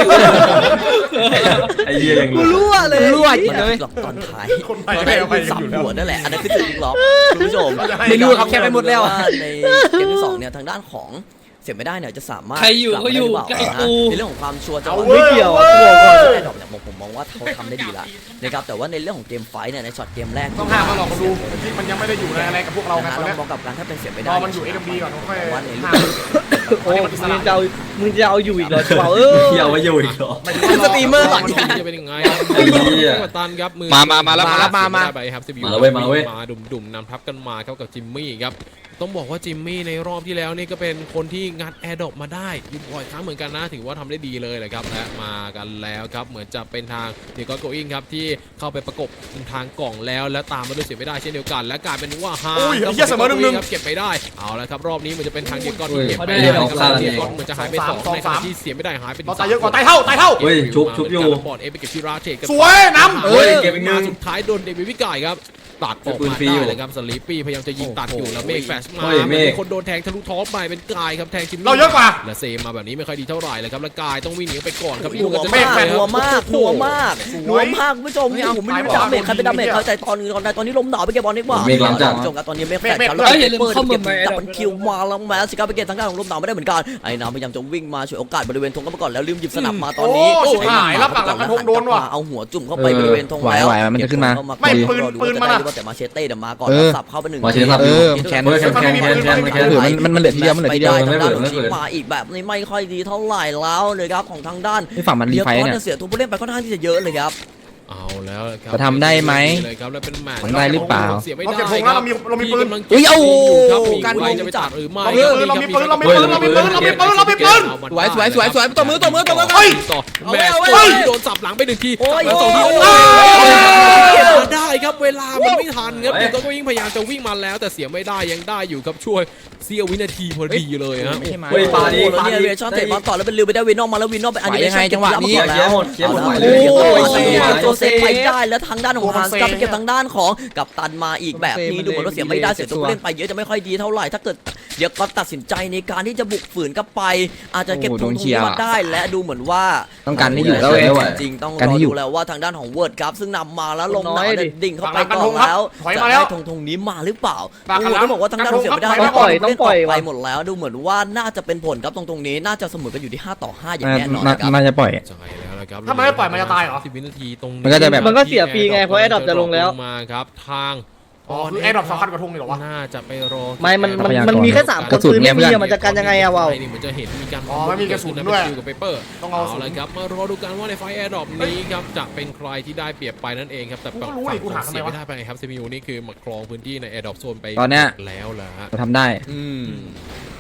Speaker 6: ไอ้เหี้ยอย่าง
Speaker 5: กูรู้อะเลย
Speaker 3: รั่วจริง
Speaker 4: เล
Speaker 3: เลย ย
Speaker 4: ตอนท้าย
Speaker 2: คนไทย
Speaker 4: ตอน
Speaker 2: ให้
Speaker 4: ท้าย
Speaker 2: อภัย
Speaker 4: สาม
Speaker 2: อยู่แล้ว
Speaker 4: หัวนั่นแหละอันนั้นคือจุดพลิกล็อกคุณผู้ชม
Speaker 3: ไม่รู้ครับแค่ไปหมดแล้ว
Speaker 4: าในเกมที่สองเนี่ยทางด้านของเสียไม่ได้เนี่ยจะสามารถ
Speaker 1: ใครอยู่ก็อยู่
Speaker 4: กลับ
Speaker 1: ใกล้
Speaker 4: มาได้
Speaker 1: กู
Speaker 4: หรือเปล่านะในเรื่องของความชัวร์จะ
Speaker 2: เอา
Speaker 4: ว่า
Speaker 2: เว้ย
Speaker 5: ไม่เกี่ยว
Speaker 2: อา
Speaker 5: อะ
Speaker 2: ว้
Speaker 5: กูบอกก่อน
Speaker 2: ย
Speaker 4: ไอ้ดอกเนี่ยผมผมมองว่าเขาทำได้ดีละนะครับแต่ว่าในเรื่องของเกมไฟท์เนี่ยในช็อตเกมแรก
Speaker 2: ต้องห้ามมาหลอกมาดูที่มันยังไม่ได้อยู่ในอะไรกับพวกเราไง
Speaker 4: นะ
Speaker 2: ตอน
Speaker 4: เรา
Speaker 2: เนี้ย
Speaker 4: มองกับการถ้าเป็นเสียไม่ได้
Speaker 2: รอมันอยู่ เอ็ม ดี ก่อนค่อย
Speaker 4: แต่ว่าในเรื่
Speaker 2: ห้า
Speaker 4: อง
Speaker 2: ม
Speaker 5: โอ้มึงจะเอามึงจะเอาอยู่อีกเหรอจะเอาเออ
Speaker 6: เหี้ยไว้อยู่อีกเหรอ
Speaker 3: สตรีมเมอร์หลัง
Speaker 8: จะเป็นยังไงครับ
Speaker 6: ไอ้เหี้ย
Speaker 8: กัปตันครับมือ
Speaker 3: มามามาแล้วมาแล้วมามา
Speaker 8: ไปครับ
Speaker 6: มาแล้วเว้ยมาแล้วเว้ย
Speaker 8: มาดุ่มๆนำทัพกันมาครับกับจิมมี่ครับต้องบอกว่าจิมมี่ในรอบที่แล้วนี่ก็เป็นคนที่งัดแอร์ดรอปมาได้อยู่บ่อยครั้งเหมือนกันนะถือว่าทำได้ดีเลยแหละครับและมากันแล้วครับเหมือนจะเป็นทางเดียร์กโกอิงครับที่เข้าไปประกบทางกล่องแล้วและตามมาด้วยเสียไม่ได้เช่นเดียวกันและกลายเป็นว่าฮา
Speaker 2: อุ้ยไอ้เหี้ยเสมอหนึ่งๆ
Speaker 8: ครับเก็บไปได้เอาละครับรอบนี้เหมันจะเป็นทางเดียร์กอน
Speaker 6: อุ้
Speaker 8: ที่
Speaker 6: ย
Speaker 8: เก็บไป
Speaker 6: ไอ้
Speaker 8: ได้
Speaker 6: เหี้ย
Speaker 8: ค
Speaker 6: เขาฆ่า
Speaker 8: รับ
Speaker 6: กัน
Speaker 8: เดี
Speaker 6: เอย
Speaker 8: ร์
Speaker 6: ง
Speaker 8: กอนเหมือนจะหายไปสอง
Speaker 2: สอง
Speaker 8: ในข
Speaker 2: สา
Speaker 8: ณะ
Speaker 2: ม
Speaker 8: ที่เสียไม่ได้หายไปถึง
Speaker 2: เราตายเยอะกว่าตายเท่าตายเท่า
Speaker 6: เฮ้ยชุบชุบอยู่
Speaker 8: บอดเอไปเก็บที่ราเทกัน
Speaker 2: สวยน้ำ
Speaker 6: เฮ้ยเก็บอีกหนึ่ง
Speaker 8: มาสุดท้ายโดนเดวิดวิกายครับตัดออก
Speaker 6: ปืน
Speaker 8: มา
Speaker 6: ฟรี
Speaker 8: ได้
Speaker 6: อยู่
Speaker 8: เลยครับสลีปปี้พยายามจะยิงตัดอยู่แล้วเมฆแฟชมา
Speaker 6: เฮ้ยเมฆ
Speaker 8: มีคนโดนแทงทะลุท้องไปเป็นกายครับแทงจิมมี่
Speaker 2: เราเยอะกว่า
Speaker 8: และเซมาแบบนี้ไม่ค่อยดีเท่าไหร่เลยครับแล้วกายต้องวิ่งหนีไปก่อนครับ
Speaker 4: หัว
Speaker 8: จะ
Speaker 4: มาก
Speaker 8: ได้
Speaker 4: หัวมากหัวมาก
Speaker 2: ส
Speaker 4: หั
Speaker 2: ว
Speaker 4: วย มากคุณผู้ชมผมไม่รู้ดาเมจใครเป็นดาเมจเขาใจตอนนี้ตอนใดตอนนี้ลมหนาวไปเก็บบอลดีกว่า
Speaker 6: เมฆล้ำจัด
Speaker 4: คุณผู้ชมครับตอนนี้เมฆแฟด
Speaker 2: เมฆ
Speaker 4: ครับ
Speaker 2: เมฆ
Speaker 4: แล้ว
Speaker 1: อย่าลืม
Speaker 4: เปิด
Speaker 1: เข้ามา
Speaker 4: เก็บ
Speaker 1: ใหม่
Speaker 4: ดับเบิลคิวมาแล้วแมสสิครับไปเก็บทางด้านของลมหนาวไม่ได้เหมือนกันไอ้น้ำพยายามจะวิ่งมาช่วยโอกาสบริเวณธงเข้ามาก่อนแล้วลืมหยิบสนับมาตอนนี้
Speaker 2: โอ้ชิบหายแล้วฝั่งหลังกระทงโดนว่ะ
Speaker 4: เอาหัวจุ่มเข้าไปบริเวณธงแล้ว
Speaker 3: ไหวไหวมันจะขึ้นมา
Speaker 2: ไม่ปืนปืนมันอะ
Speaker 4: แต่มาเชเต้เดี๋ยวมาก่อน
Speaker 3: เออ
Speaker 4: สับเข้าไปหนึ่ง
Speaker 6: มาเชเต้สับ
Speaker 3: เออ
Speaker 4: ที
Speaker 3: แคน
Speaker 6: เฮ้ยแคนแคนแคนแคนแคน
Speaker 3: เออมันมันมันเหลือทีเดียวมันเหลือทีเดียว
Speaker 4: ไปทางด้าน
Speaker 6: ไม่
Speaker 4: ของ
Speaker 6: เปิด
Speaker 4: ชิปมาอีกแบบนี้ไม่ค่อยดีเท่าไหร่แล้วเลยครับของทางด้าน
Speaker 3: ที่ฝั่งมันรีไฟท์เนี่ย
Speaker 4: เสียตัวผู้เล่นไปค่อนข้างที่จะเยอะเลยครับ
Speaker 8: เอาแล้วครับ
Speaker 3: จะทำได้ไหม
Speaker 8: เลยครับแล้วเป็นแมตช์
Speaker 3: ทำได้หรือเปล่า
Speaker 8: เสียไม่
Speaker 2: เรา
Speaker 8: ได้
Speaker 2: เก็บธงแล้วเรามีเรามีปืน
Speaker 3: เฮ้ยเอา
Speaker 8: ครับมี
Speaker 3: การ
Speaker 8: ใคร
Speaker 3: ยิง
Speaker 8: จะไปตัดหรือไม่
Speaker 2: เรามีปืนเรามีปืนเรามีปืนเรามีปืนเรามีปืนเรามีปืน
Speaker 3: สวยสวยสวยสวยตัวมือตัวมือตัวมือ
Speaker 2: เฮ้ย
Speaker 8: ต่อ
Speaker 3: เอา
Speaker 8: แม
Speaker 3: ไว้
Speaker 8: ตช์
Speaker 3: เอาไว้
Speaker 8: โดนสับหลังไปหนึ่งที
Speaker 4: โอ้ย
Speaker 8: แล้วสองที
Speaker 4: โอ้ย
Speaker 8: โอ้ย
Speaker 2: โอ้ย
Speaker 8: เก็บมาได้ครับเวลามันไม่ทันครับเด็กก็วิ่งพยายามจะวิ่งมาแล้วแต่เสียไม่ได้ยังได้อยู่ครับช่วยเสี้ยววินาทีพอดีเลยฮะ
Speaker 3: ไม่ใช่ไม้
Speaker 6: เฮ้ยปาดี
Speaker 4: โอ้โหแล้วเนี่ยเรชั่นเตะบอลต่อแล้วเป็นลิวไปได้วินนอกมาแล้ววินนอกไปอันนี้
Speaker 3: ไหวยังไงจังหวะนี้
Speaker 6: เคลียร์หมดเคลียร์หมดไหวเล
Speaker 4: โอ้
Speaker 6: ย
Speaker 4: ย
Speaker 6: เคลียร์หมด
Speaker 4: โจเซฟไปได้แล้วทางด้านของฮานส์
Speaker 2: โอ้
Speaker 4: ก็
Speaker 2: โห
Speaker 4: ไปเก็บทางด้านของกับตันมาอีกแบบนี้
Speaker 3: โอ้โห
Speaker 4: ดูเหมือนว่าเสียไม่ได้เสียตัวผู้เล่นไปเยอะจะไม่ค่อยดีเท่าไหร่ถ้าเกิดเดี๋ยวก็ตัดสินใจในการที่จะบุกฝืนกลับไป อาจจะเก็บ
Speaker 3: โอ้โห
Speaker 4: ทุน
Speaker 3: โดน
Speaker 4: ตรง
Speaker 3: เชีย
Speaker 4: นี้
Speaker 3: ร์
Speaker 4: มาได้และดูเหมือนว่า
Speaker 3: ต้องการให้อยู่แล้วเว้ย
Speaker 4: จริงๆต้อง
Speaker 3: การ
Speaker 4: รอ
Speaker 3: ให้อยู่
Speaker 4: ดูแล้วว่าทางด้านของเวิร์ดครับซึ่งนำมาแล้วลงหนาว
Speaker 5: น้อยดิ
Speaker 4: เนี่ยดิ่งเข้าไป
Speaker 2: ฝั่งหลัง
Speaker 4: ก่อน
Speaker 2: กันธงครับ
Speaker 4: แล้ว
Speaker 2: ถอย
Speaker 4: จะ
Speaker 2: มาแล้
Speaker 4: ได้
Speaker 2: ว
Speaker 4: ธงธงนี้มาหรือเปล่า
Speaker 2: ฝั่งหลัง
Speaker 4: โอ้โหต้องบอกว่าทางด้านของเสียไม่ได้
Speaker 2: ถอยมา
Speaker 5: ต้องปล่อยต้องปล่อย
Speaker 4: ไป
Speaker 5: ว่ะ
Speaker 4: หมดแล้วดูเหมือนว่าน่าจะเป็นผลครับตรงตรงนี้น่าจะเสมอกันอยู่ที่ห้าต่อห้าอย่าง
Speaker 3: น่า
Speaker 4: แน่นอน
Speaker 3: น่า
Speaker 4: นะครับ
Speaker 3: น่าจะปล่อย
Speaker 8: ใช่แล้วนะครับ
Speaker 2: ถ้ามันไม่ปล่อยมันจะตายเหรอ
Speaker 8: สิบวินาทีตรง
Speaker 3: มันก็จะแบบ
Speaker 5: มันก็เสียฟรีไงเพราะ Adopt จะลงแล้ว
Speaker 8: มาครับทาง
Speaker 2: อ๋อคือแอร์ดรอปสำคัญกว่าธงเลยเหรอวะ
Speaker 8: น่าจะไปรอ
Speaker 5: ไม่มันมัน
Speaker 3: ทรัพยากร
Speaker 5: มันมีแค่สามค
Speaker 3: กระ
Speaker 5: น
Speaker 3: สุน
Speaker 5: ปืนไม่มี
Speaker 3: เนี่ยเพื่อน
Speaker 5: อะมันจะกันยังไงอะวาว
Speaker 8: นี่เหมือนจะเห็นมีการ
Speaker 2: อ๋อไม่มีกระสุนด้วย
Speaker 8: กับเปเปอร์
Speaker 2: ต้องเอากระสุน
Speaker 8: ละครับมารอดูกันว่าในไฟแอร์ดรอปนี้ครับจะเป็นใครที่ได้เปรียบไปนั่นเองครับแต่
Speaker 2: กูก็รู้ดิกูถามทำไม
Speaker 8: เสียว
Speaker 2: ะ
Speaker 8: ไม่ได้ไปครับซีมิวนี่คือมาครองพื้นที่ในแอร์ดรอปโซนไป
Speaker 3: ตอนเนี้ย
Speaker 8: แล้วล่ะฮะ
Speaker 3: เราทำได้
Speaker 4: อืมโอ้โห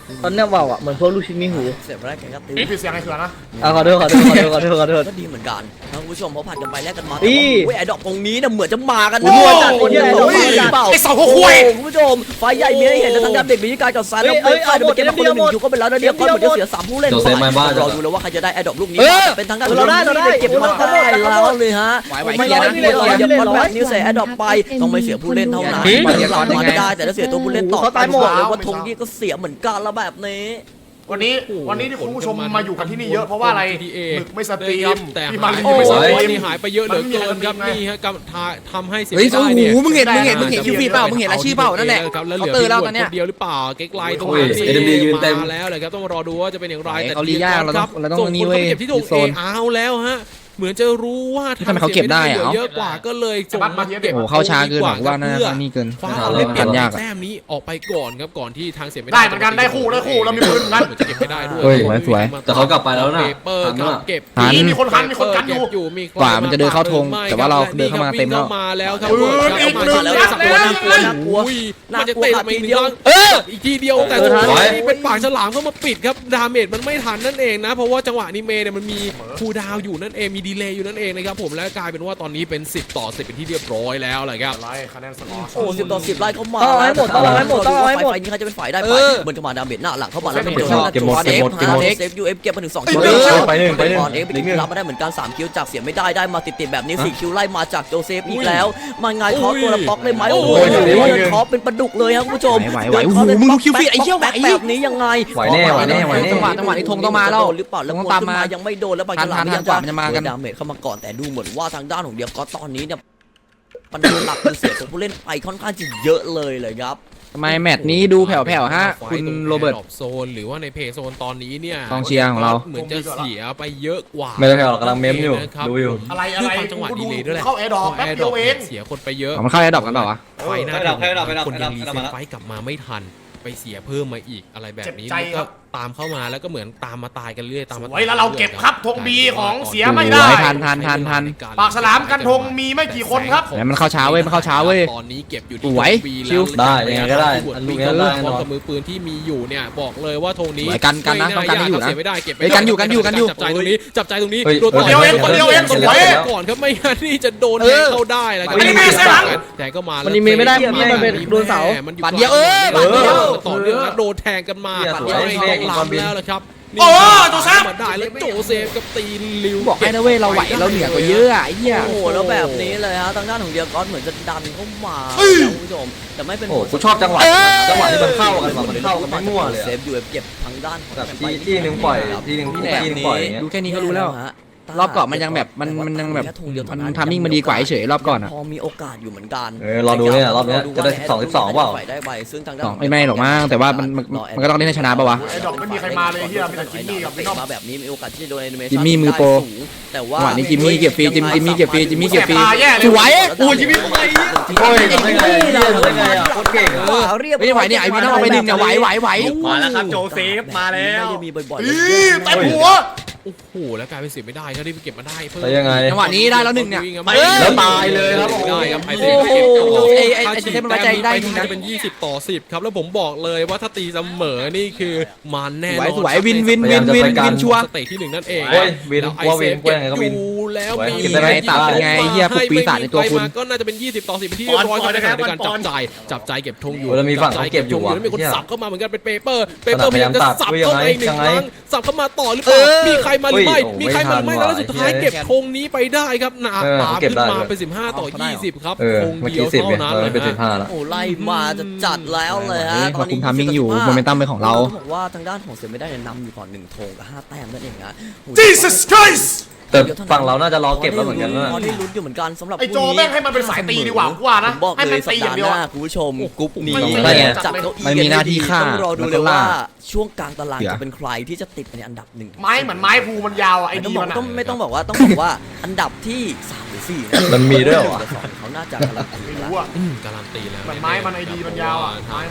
Speaker 6: ตอนเนี้ยว่าวอ่ะเหมือนพวกลูกชิ้นมีหู
Speaker 4: เสียบแรกกันครับติว
Speaker 2: พี่เสียงไอ้เขือนะ
Speaker 6: อ่ะขอโทษขอโทษขอโทษขอโทษขอโทษ
Speaker 4: ก็ดีเหมือนกันท่านผู้ชมเขาผัดกันไปแลกกันมา
Speaker 6: อี
Speaker 4: แต่ว่าไอ้ดอกตรงนี้เนี่ยเหมือนจะมากัน
Speaker 6: โอ้ยจัดคนเดียว
Speaker 4: ไอ้ดอกมาหรือเปล่า
Speaker 2: ไอ้สองหัวคุย
Speaker 4: โอ้โหคุณผู้ชมไฟใหญ่มีให้เห็นแต่ทางด้านเด็กมีการกับซันแล้ว
Speaker 6: เอ้
Speaker 4: ไม่
Speaker 6: ย
Speaker 4: พลาด
Speaker 6: เอาหมด
Speaker 4: เกมมาคนละหนึ่งอยู่ก็เป็นแล้วนะเดียวก็เหมือนจะเสียสามผู้เล่น
Speaker 5: โจเซฟมาบ้าน
Speaker 4: รอดูแล้วว่าใครจะได้ไอ้ดอกลูกนี้
Speaker 3: เออ
Speaker 4: เป็นทางด้าน
Speaker 6: เราได้เราได้
Speaker 4: เก็บมาได้แล้วเลยฮะ
Speaker 3: ไหวไหว
Speaker 4: ไม่
Speaker 3: เคลียร์นะ
Speaker 4: ไม่รออย่าปล่อยแบบนี้เสียไอ้ดอกไปต้องไม่เสียผู้เล่นเท่านั้น
Speaker 3: หืม
Speaker 4: หลังมาได้แต่ถ้าเสียตัวผู้เล่นต่อ
Speaker 6: เขาตายหมด
Speaker 4: เลยว่าธงนี้ก็เสียเหมือนกันแล้วแบบนี้
Speaker 2: วันนี้วันนี้ที่คุณผู้ชมมาอยู่กันที่นี่เยอะเพราะว่าอะไรหมึกไม่สตรีม
Speaker 8: แต่
Speaker 2: พี่
Speaker 8: หา
Speaker 2: มาลี
Speaker 8: ย
Speaker 2: ไม่สตรี
Speaker 8: วัน
Speaker 2: ม
Speaker 8: นี้หายไปเยอะเหลือเกินครับ
Speaker 2: มันไม่มี
Speaker 8: นี่ฮะกำทาทำให้เสีย
Speaker 3: เฮ้ย
Speaker 8: ไม่
Speaker 3: โอ้
Speaker 8: ได้
Speaker 3: โห
Speaker 8: เนี่ย
Speaker 3: มึงเห็นมึงเห็นมึงเห็นคิวฟีเปล่ามึงเห็นรายชื่อเปล่านั่นแหละ
Speaker 8: ครับแล้วเห
Speaker 3: เขา
Speaker 8: ลือ
Speaker 3: เตอร์
Speaker 8: พี่
Speaker 3: แล้ว
Speaker 8: ห
Speaker 3: ตอนเนี้ย
Speaker 8: คนเดียวหรือเปล่าเก๊กไลน์ตรง
Speaker 5: โอ้ย
Speaker 8: นี้
Speaker 5: เอ็น ดี ยืนเต็ม
Speaker 8: มาแล้วเลยครับต้องรอดูว่าจะเป็นอย่างไร
Speaker 3: เขาลียากเราต้องเราต้อง
Speaker 8: ส่ง
Speaker 3: นี่
Speaker 8: คน
Speaker 3: เว้
Speaker 8: เข้าย ไปเก็บที่ธง
Speaker 3: โซ
Speaker 8: เอน เอาแล้วฮะเหมือนจะรู้ว่า
Speaker 3: ทำไมเขาเก็บได้อะ
Speaker 8: เหลือเยอะกว่าก็เลยส่งมาเก็บ
Speaker 3: โอ้โหเข้าช้าเกินหรอกว่าน่าจะนี่เกิน
Speaker 8: ฟ้าเอาเล่นเปลี่ยน
Speaker 3: ยากอะ
Speaker 8: แต้มนี้ออกไปก่อนครับก่อนที่ทางเสียไม่
Speaker 2: ได้เหมือนกันได้คู่ได้คู่เรามีปืนเหมือนกัน
Speaker 8: เหมือนจะเก็บไม่ได้ด้วย
Speaker 3: เฮ้ยสวย
Speaker 5: แต่เขากลับไปแล้วน่ะ
Speaker 8: เปเปอร์
Speaker 5: ทัน
Speaker 8: ค
Speaker 5: น่ะ
Speaker 8: รับเก็บ
Speaker 3: ทัน
Speaker 2: มีคนคันมีคนกันอยู่
Speaker 8: เก็บอยู่มี
Speaker 3: กว่ามันจะเดินเข้าธงแต่ว่าเราเดินเข้ามาเต็มแล้ว
Speaker 8: วิ่งเข้ามาแล้วครับ
Speaker 2: ปืนอีกหนึ่ง
Speaker 8: แล้ว
Speaker 2: นัด
Speaker 8: สับ
Speaker 2: แล้ว
Speaker 8: น่ากลัวน่ากลัวมันจะเตะมาอีกทีเดียว
Speaker 3: เออ
Speaker 8: อีกทีเดียวแต่
Speaker 6: เออ
Speaker 8: สุด
Speaker 6: ทัน
Speaker 8: ท้ายนี่เป็นปากฉลามเข้ามาปิดครับดาเมจมันไม่ทันนั่นเองนะเพราะว่าจังหวะนี้เมย์เนี่ยมันมีคูลดาวน์อยู่นั่นเองมีดีเลย์อยู่นั่นเองนะครับผมและกลายเป็นว่าตอนนี้เป็นสิบต่อสิบเป็นที่เรียบร้อยแล้วแหละครับ
Speaker 2: อะไรคะแนนสกอร์
Speaker 4: โอ้สิบต่อสิบไล่เข้ามา
Speaker 6: ต้องเอาให้หมดต้องเอาให้หมดต้องเอาให้หมด
Speaker 4: ไฟนี้ใครจะเป็นฝ่ายได้ไป
Speaker 3: เออ
Speaker 4: เหมือนกับมาดาเมจหน้าหลังเข้ามาแล้ว
Speaker 2: เก็บ
Speaker 4: เก็บหมด
Speaker 5: เก็บหมดเก็บหมด
Speaker 4: เซฟยูเอฟเก็บมาถึงสองคิว
Speaker 2: เออ
Speaker 5: ไปหนึ่งไปหนึ่ง
Speaker 4: เอ็กซ์ไปคิวรับมาได้เหมือนกันสามคิวจากเสียไม่ได้ได้มาติดๆแบบนี้สี่คิวไล่มาจากโจเซฟอีกแล้วมันไงคอตัวละป๊อกได้ไหมโอ้โหคอเป็นปลาดุกเลยครับคุณผู้ชม
Speaker 3: ไหวไหวไหวโอ้โหมึงดูคิวฟีไอ้เหี้ยไหว
Speaker 4: แบบนี้ยังไง
Speaker 5: ไหวแน่ไหวแน่ไหวแน่
Speaker 3: จังหวะจังหวะนี้ธงต้องมาแล้ว
Speaker 4: โดนหรือเปล่าแล้ว
Speaker 3: ธง
Speaker 4: ค
Speaker 3: ต้อน งตาม
Speaker 4: ขึ้น
Speaker 3: มา
Speaker 4: มายังไม่โดนแล้วบาง
Speaker 3: ทัน
Speaker 4: ฉลาม
Speaker 3: ทัน
Speaker 4: ยัง
Speaker 3: กว่ามันจะมากัน
Speaker 4: ดาเมจเข้ามาก่อนแต่ดูเหมือนว่าทางด้านของเดียก็ตอนนี้เนี่ยปัญหาหลักคือเสียตัวผู้เล่นไปค่อนข้างจะเยอะเลยเลยครับ
Speaker 3: ทำไมแมตช์นี้ดูแผ่วๆฮะคุณโรเบิร์ต
Speaker 8: ไฟตง Air Drop โซนหรือว่าในเพย์โซนตอนนี้เนี่ย
Speaker 3: กองเชียร์ของเรา
Speaker 8: เหมือนจะเสียไปเยอะกว่า
Speaker 5: ไม่ได้แผ่วหรอกกำลังเม้มอยู่
Speaker 8: นะครับ
Speaker 5: ดูอยู่
Speaker 2: อะไรอะไร
Speaker 8: ด้วยความจังหวะ
Speaker 2: กู
Speaker 8: ดี
Speaker 2: ดู
Speaker 8: เลยด้วยแหละ
Speaker 2: เข้าแอร์ดรอปแป๊บเดียวเอง
Speaker 8: เสียคนไปเยอะ
Speaker 3: อ๋อมันเข้าแอร์ดรอปกันเปล่าวะ
Speaker 8: ไฟหน้า
Speaker 7: ให้ดับให้ดับให้ดับ
Speaker 8: คนยัง
Speaker 7: ให้
Speaker 8: รี
Speaker 7: ดับ
Speaker 8: เซ็
Speaker 7: มา
Speaker 8: ต
Speaker 7: แล้ว
Speaker 8: ไฟกลับมาไม่ทันไปเสียเพิ่มมาอีกอะไรแบบนี้
Speaker 2: เจ็บใจ
Speaker 8: มัน
Speaker 2: ครั
Speaker 8: ก็
Speaker 2: บ
Speaker 8: ตามเข้ามาแล้วก็เหมือนตามมาตายกันเรื่อยตามมา
Speaker 2: สวยแล้วเราเก็บครับธงบีของเสียไม่
Speaker 3: โอ้
Speaker 2: ได้
Speaker 3: ยทันทันทันทัน
Speaker 2: ปากฉลามกันธงมีไม่กี่คนครับ
Speaker 3: ไหนมันเข้าช้าเว้ยมันเข้าช้าเว้ย
Speaker 8: ตอนนี้เก็บอยู่
Speaker 3: ส
Speaker 8: ที่
Speaker 3: วย
Speaker 8: ธงบี
Speaker 3: ชิว
Speaker 8: แล้ว
Speaker 5: ได้ยังไงก็ได้อันลูกนี้ได้แน่นอน
Speaker 8: พร้อมกับมือปืนที่มีอยู่เนี่ยบอกเลยว่าธงนี้
Speaker 3: สวยกันกันนะต้องกันให้อยู่นะ
Speaker 8: เสียไม่ได้เก็บ
Speaker 3: เฮ้ยกันอยู่กันอยู่กันอยู่
Speaker 8: จับใจตรงนี้จับใจตรงนี้
Speaker 5: เฮ้ย
Speaker 8: โดนต่
Speaker 2: เดียวเองคนเดียวเองสวย
Speaker 8: ก่อนครับไม่งั้นนี่จะโดนแทงเข้าได้แล้ว
Speaker 2: เออมันมีเสียหลัง
Speaker 8: แต่ก็มา
Speaker 6: มันยิงไม่ได้พี่มันเป็นโดนเสา
Speaker 8: มันอยู่
Speaker 3: บาดเดียวเออบาดเดียว
Speaker 8: ต่อเนื่องแล้วโดนแทงกันมา
Speaker 5: เหี้ย
Speaker 8: ตัด
Speaker 5: สวย
Speaker 8: ไม่
Speaker 5: เม
Speaker 8: ต้
Speaker 5: ฆ
Speaker 8: อง
Speaker 5: อีกความบิน
Speaker 8: ล้ำแล้วละครับ
Speaker 2: โอ้โจเซฟ
Speaker 8: มาได้แล้วโจเซฟกับตีนลิว
Speaker 3: บอกให้นะเว้ยเราไหวเราเหนือกว่าเยอะอะไอ้เหี้ย
Speaker 4: โอ้โหแล้วแบบนี้เลยฮะทางด้านของเดียก้อนเหมือนจะดันเข้ามาแล้วคุณผู้ชมแต่ไม่เป็น
Speaker 5: โอ้กูชอบจังหวะจังหวะที่มันเข้ากันว่ะมันเข้ากันไม่มั่วเลย
Speaker 4: เซ
Speaker 5: อะ
Speaker 4: ฟอยู่เก็บทางด้านของ
Speaker 5: แบบที่ที่หนึ่งปล่อยที่หนึ่ง
Speaker 3: นี่แหละ
Speaker 5: ที่หนึ่งปล่อยอย่างเงี้ย
Speaker 3: ดูแค่นี้ก็รู้แล้ว รอบก่อนมันยังแบบมันมันยังแบบมันทามมิ่งมันดีกว่าเฉยๆรอบก่อนอะ
Speaker 4: พอมีโอกาสอยู่เหมือนกัน
Speaker 5: เออรอดูเนี่ยรอบเนี้ยจะได้สิบสองสิบสองเปล่า
Speaker 4: ได้ไปซึ่งทางด้าน
Speaker 3: สองไม่ไม่หรอกมั้งแต่ว่ามันมันมันก็ต้องเล่นให้ชนะป่าวะ
Speaker 2: ไอ้ดอกไม่มีใครมาเลยเฮียมีแต่จิมมี่กับพี่น้อง
Speaker 4: มาแบบนี้มีโอกาสที่จะโดนแอนิเมชั่น
Speaker 3: จิมมี่มือโปร
Speaker 4: ได้สูงแต่ว่า
Speaker 3: จังหวะนี้จิมมี่เก็บฟรีจิมจิมมี่เก็บฟรีจิมมี่เก็บฟรี
Speaker 2: แสบตาแย่เลย
Speaker 3: สวย
Speaker 4: โอ้ยจิมมี่ไป
Speaker 5: โอ้ยทำได้ไงเนี่ยทำได้ไงอ่ะโคตรเก่งอะ
Speaker 4: เออเรียบร้อย
Speaker 3: ไม่ไหวเนี่ยไอวีต้องเอาไปดึงเนี่ยไหวไหวไหว
Speaker 7: มาแล้วครับโจเซฟมาแล้ว
Speaker 4: ไม่ได้มีบ่อยๆ
Speaker 2: อีเต็มหัว
Speaker 8: โอ้โหแล้วกลายเป็นเสียไม่ได้เขาได้ไปเก็บมาได้เพิ่ม
Speaker 5: แต่ยังไง
Speaker 3: จังหวะนี้ได้แล้วหนึ่งเนี่ย
Speaker 8: ไป
Speaker 5: แล้วตายเลยครับ
Speaker 8: ได้ครับไอเซ
Speaker 3: โอ้
Speaker 8: ฟ
Speaker 3: โห
Speaker 8: เก็บต่อ
Speaker 3: ไอ้ไอ้ไอ้เซฟมันไว้ใจได้จริงนะ
Speaker 8: จะเป็นยี่สิบต่อสิบครับแล้วผมบอกเลยว่าถ้าตีเสมอนี่คือมันแน่
Speaker 3: ส
Speaker 8: น
Speaker 3: วย
Speaker 8: อน
Speaker 3: สวยวินวินวินวินวินชัวร์
Speaker 8: สเตจที่หนึ่งนั่นเอง
Speaker 5: โอ้ยวิน
Speaker 8: แล้วไอ
Speaker 5: ว่า
Speaker 8: เซ
Speaker 5: วิน
Speaker 8: ฟเก็บ
Speaker 5: ว่ายังไงก็วิน
Speaker 8: อยู่แล้ว
Speaker 5: สวย
Speaker 8: มี
Speaker 5: เก็บได้ไหม
Speaker 3: ตัดเป็นไงไอ้เหี้ยพวกปีศาจในตัวคุณ
Speaker 8: ให้ไปก็น่าจะเป็นยี่สิบต่อสิบเป็นที่เรียบร้อยครับในขณะเดียวกันจับใจจับใจเก็บธงอยู่
Speaker 5: โอ้แล้วมีฝั่งเขาเก็บอยู่ว่ะ
Speaker 8: แล้วมีคน
Speaker 5: เหี้ย
Speaker 8: สับเข้ามาเหมือนกันเป็นเปเปอร์เปเปอร์พยายามจะสับเข้ามาอีกหนึ่ง
Speaker 5: ยังไง
Speaker 8: ครั้งสับเข้ามาต่อหรือเปล่า
Speaker 3: เออ
Speaker 8: มีใครมาหรือไม่
Speaker 5: เฮ้ยโอ้
Speaker 8: มีใครมาหรือไม่
Speaker 5: ไม่ทัน
Speaker 8: แล้วสุดท้าย
Speaker 5: ว่ะ
Speaker 8: เก็บธงนี้ไปได้ครับหนา
Speaker 5: เออ
Speaker 8: ตา
Speaker 5: เก็บ
Speaker 8: ขึ้น
Speaker 5: ได้
Speaker 8: มา
Speaker 5: เลย
Speaker 8: เป็นสิบห้าต่อยี่สิบครับ
Speaker 5: เออ
Speaker 8: ธง
Speaker 5: เมื่อ
Speaker 8: เดีย
Speaker 5: กี้
Speaker 8: ว
Speaker 5: สิบ
Speaker 8: เท่า
Speaker 5: เนี่ย
Speaker 8: นั้น
Speaker 5: ตอน
Speaker 8: เล
Speaker 5: นี้
Speaker 8: ย
Speaker 5: เป็นสิบ
Speaker 8: ฮะ
Speaker 5: ห้าแล้ว
Speaker 4: โอ้ไล่มาจะจัดแล้วเลยฮะ
Speaker 3: เราคุมทามมิ่งอยู่โมเมนตัมเป็นของเรา
Speaker 4: ต้องบอกว่าทางด้านของเสียไม่ได้เนี่ยนำอยู่ก่อนหนึ่งธงกับห้าแต้มนั่นเองฮะ
Speaker 2: Jesus Christ
Speaker 5: แต่ฝั่งเราน่าจะรอเก็บแล้วเหมือนกันนะ
Speaker 4: พอได้ลุ้นอยู่เหมือนกันสำหรับ
Speaker 2: ไอ้โจแม่งให้มันเป็นสายตีดีกว่ากูว่านะ
Speaker 4: ผมบอก
Speaker 2: ให้
Speaker 4: เล
Speaker 2: มัน
Speaker 4: ยสัป
Speaker 2: ตีอย่า
Speaker 4: ดาง ห์
Speaker 2: เดียว
Speaker 4: ห
Speaker 2: อะ
Speaker 4: น้าคุณผู้ชมกรุ๊ปนี้
Speaker 5: ได้ไง
Speaker 4: จัดเก้าอี้
Speaker 3: มันมีหน้าที่ฆ่า
Speaker 4: ต้องรอดู
Speaker 3: แล้วก็
Speaker 4: เลยว่า
Speaker 3: ล่า
Speaker 4: ช่วงกลางตาราง
Speaker 3: เดี๋ยว
Speaker 4: จะเป็นใครที่จะติดในอันดับหนึ่ง
Speaker 2: ไม้เหมือนไม้ภูมันยาวอะไอ้
Speaker 4: ไม่ต้อ
Speaker 2: ดี
Speaker 4: งบอ
Speaker 2: มั
Speaker 4: ก
Speaker 2: นอะ
Speaker 4: ต้องไม่ต้องบอกว่าต้องบอกว่าอันดับที่สามหรือสี่นะ
Speaker 5: มันมีด้วยเหรอวะ
Speaker 4: เขาน่าจะการันตี
Speaker 2: ไม่
Speaker 4: แล้ว
Speaker 2: รู้อะ
Speaker 8: อืมการันตีแล้ว
Speaker 2: เหมือนไม้มันไอดีมันยาวอะไม้มันอะ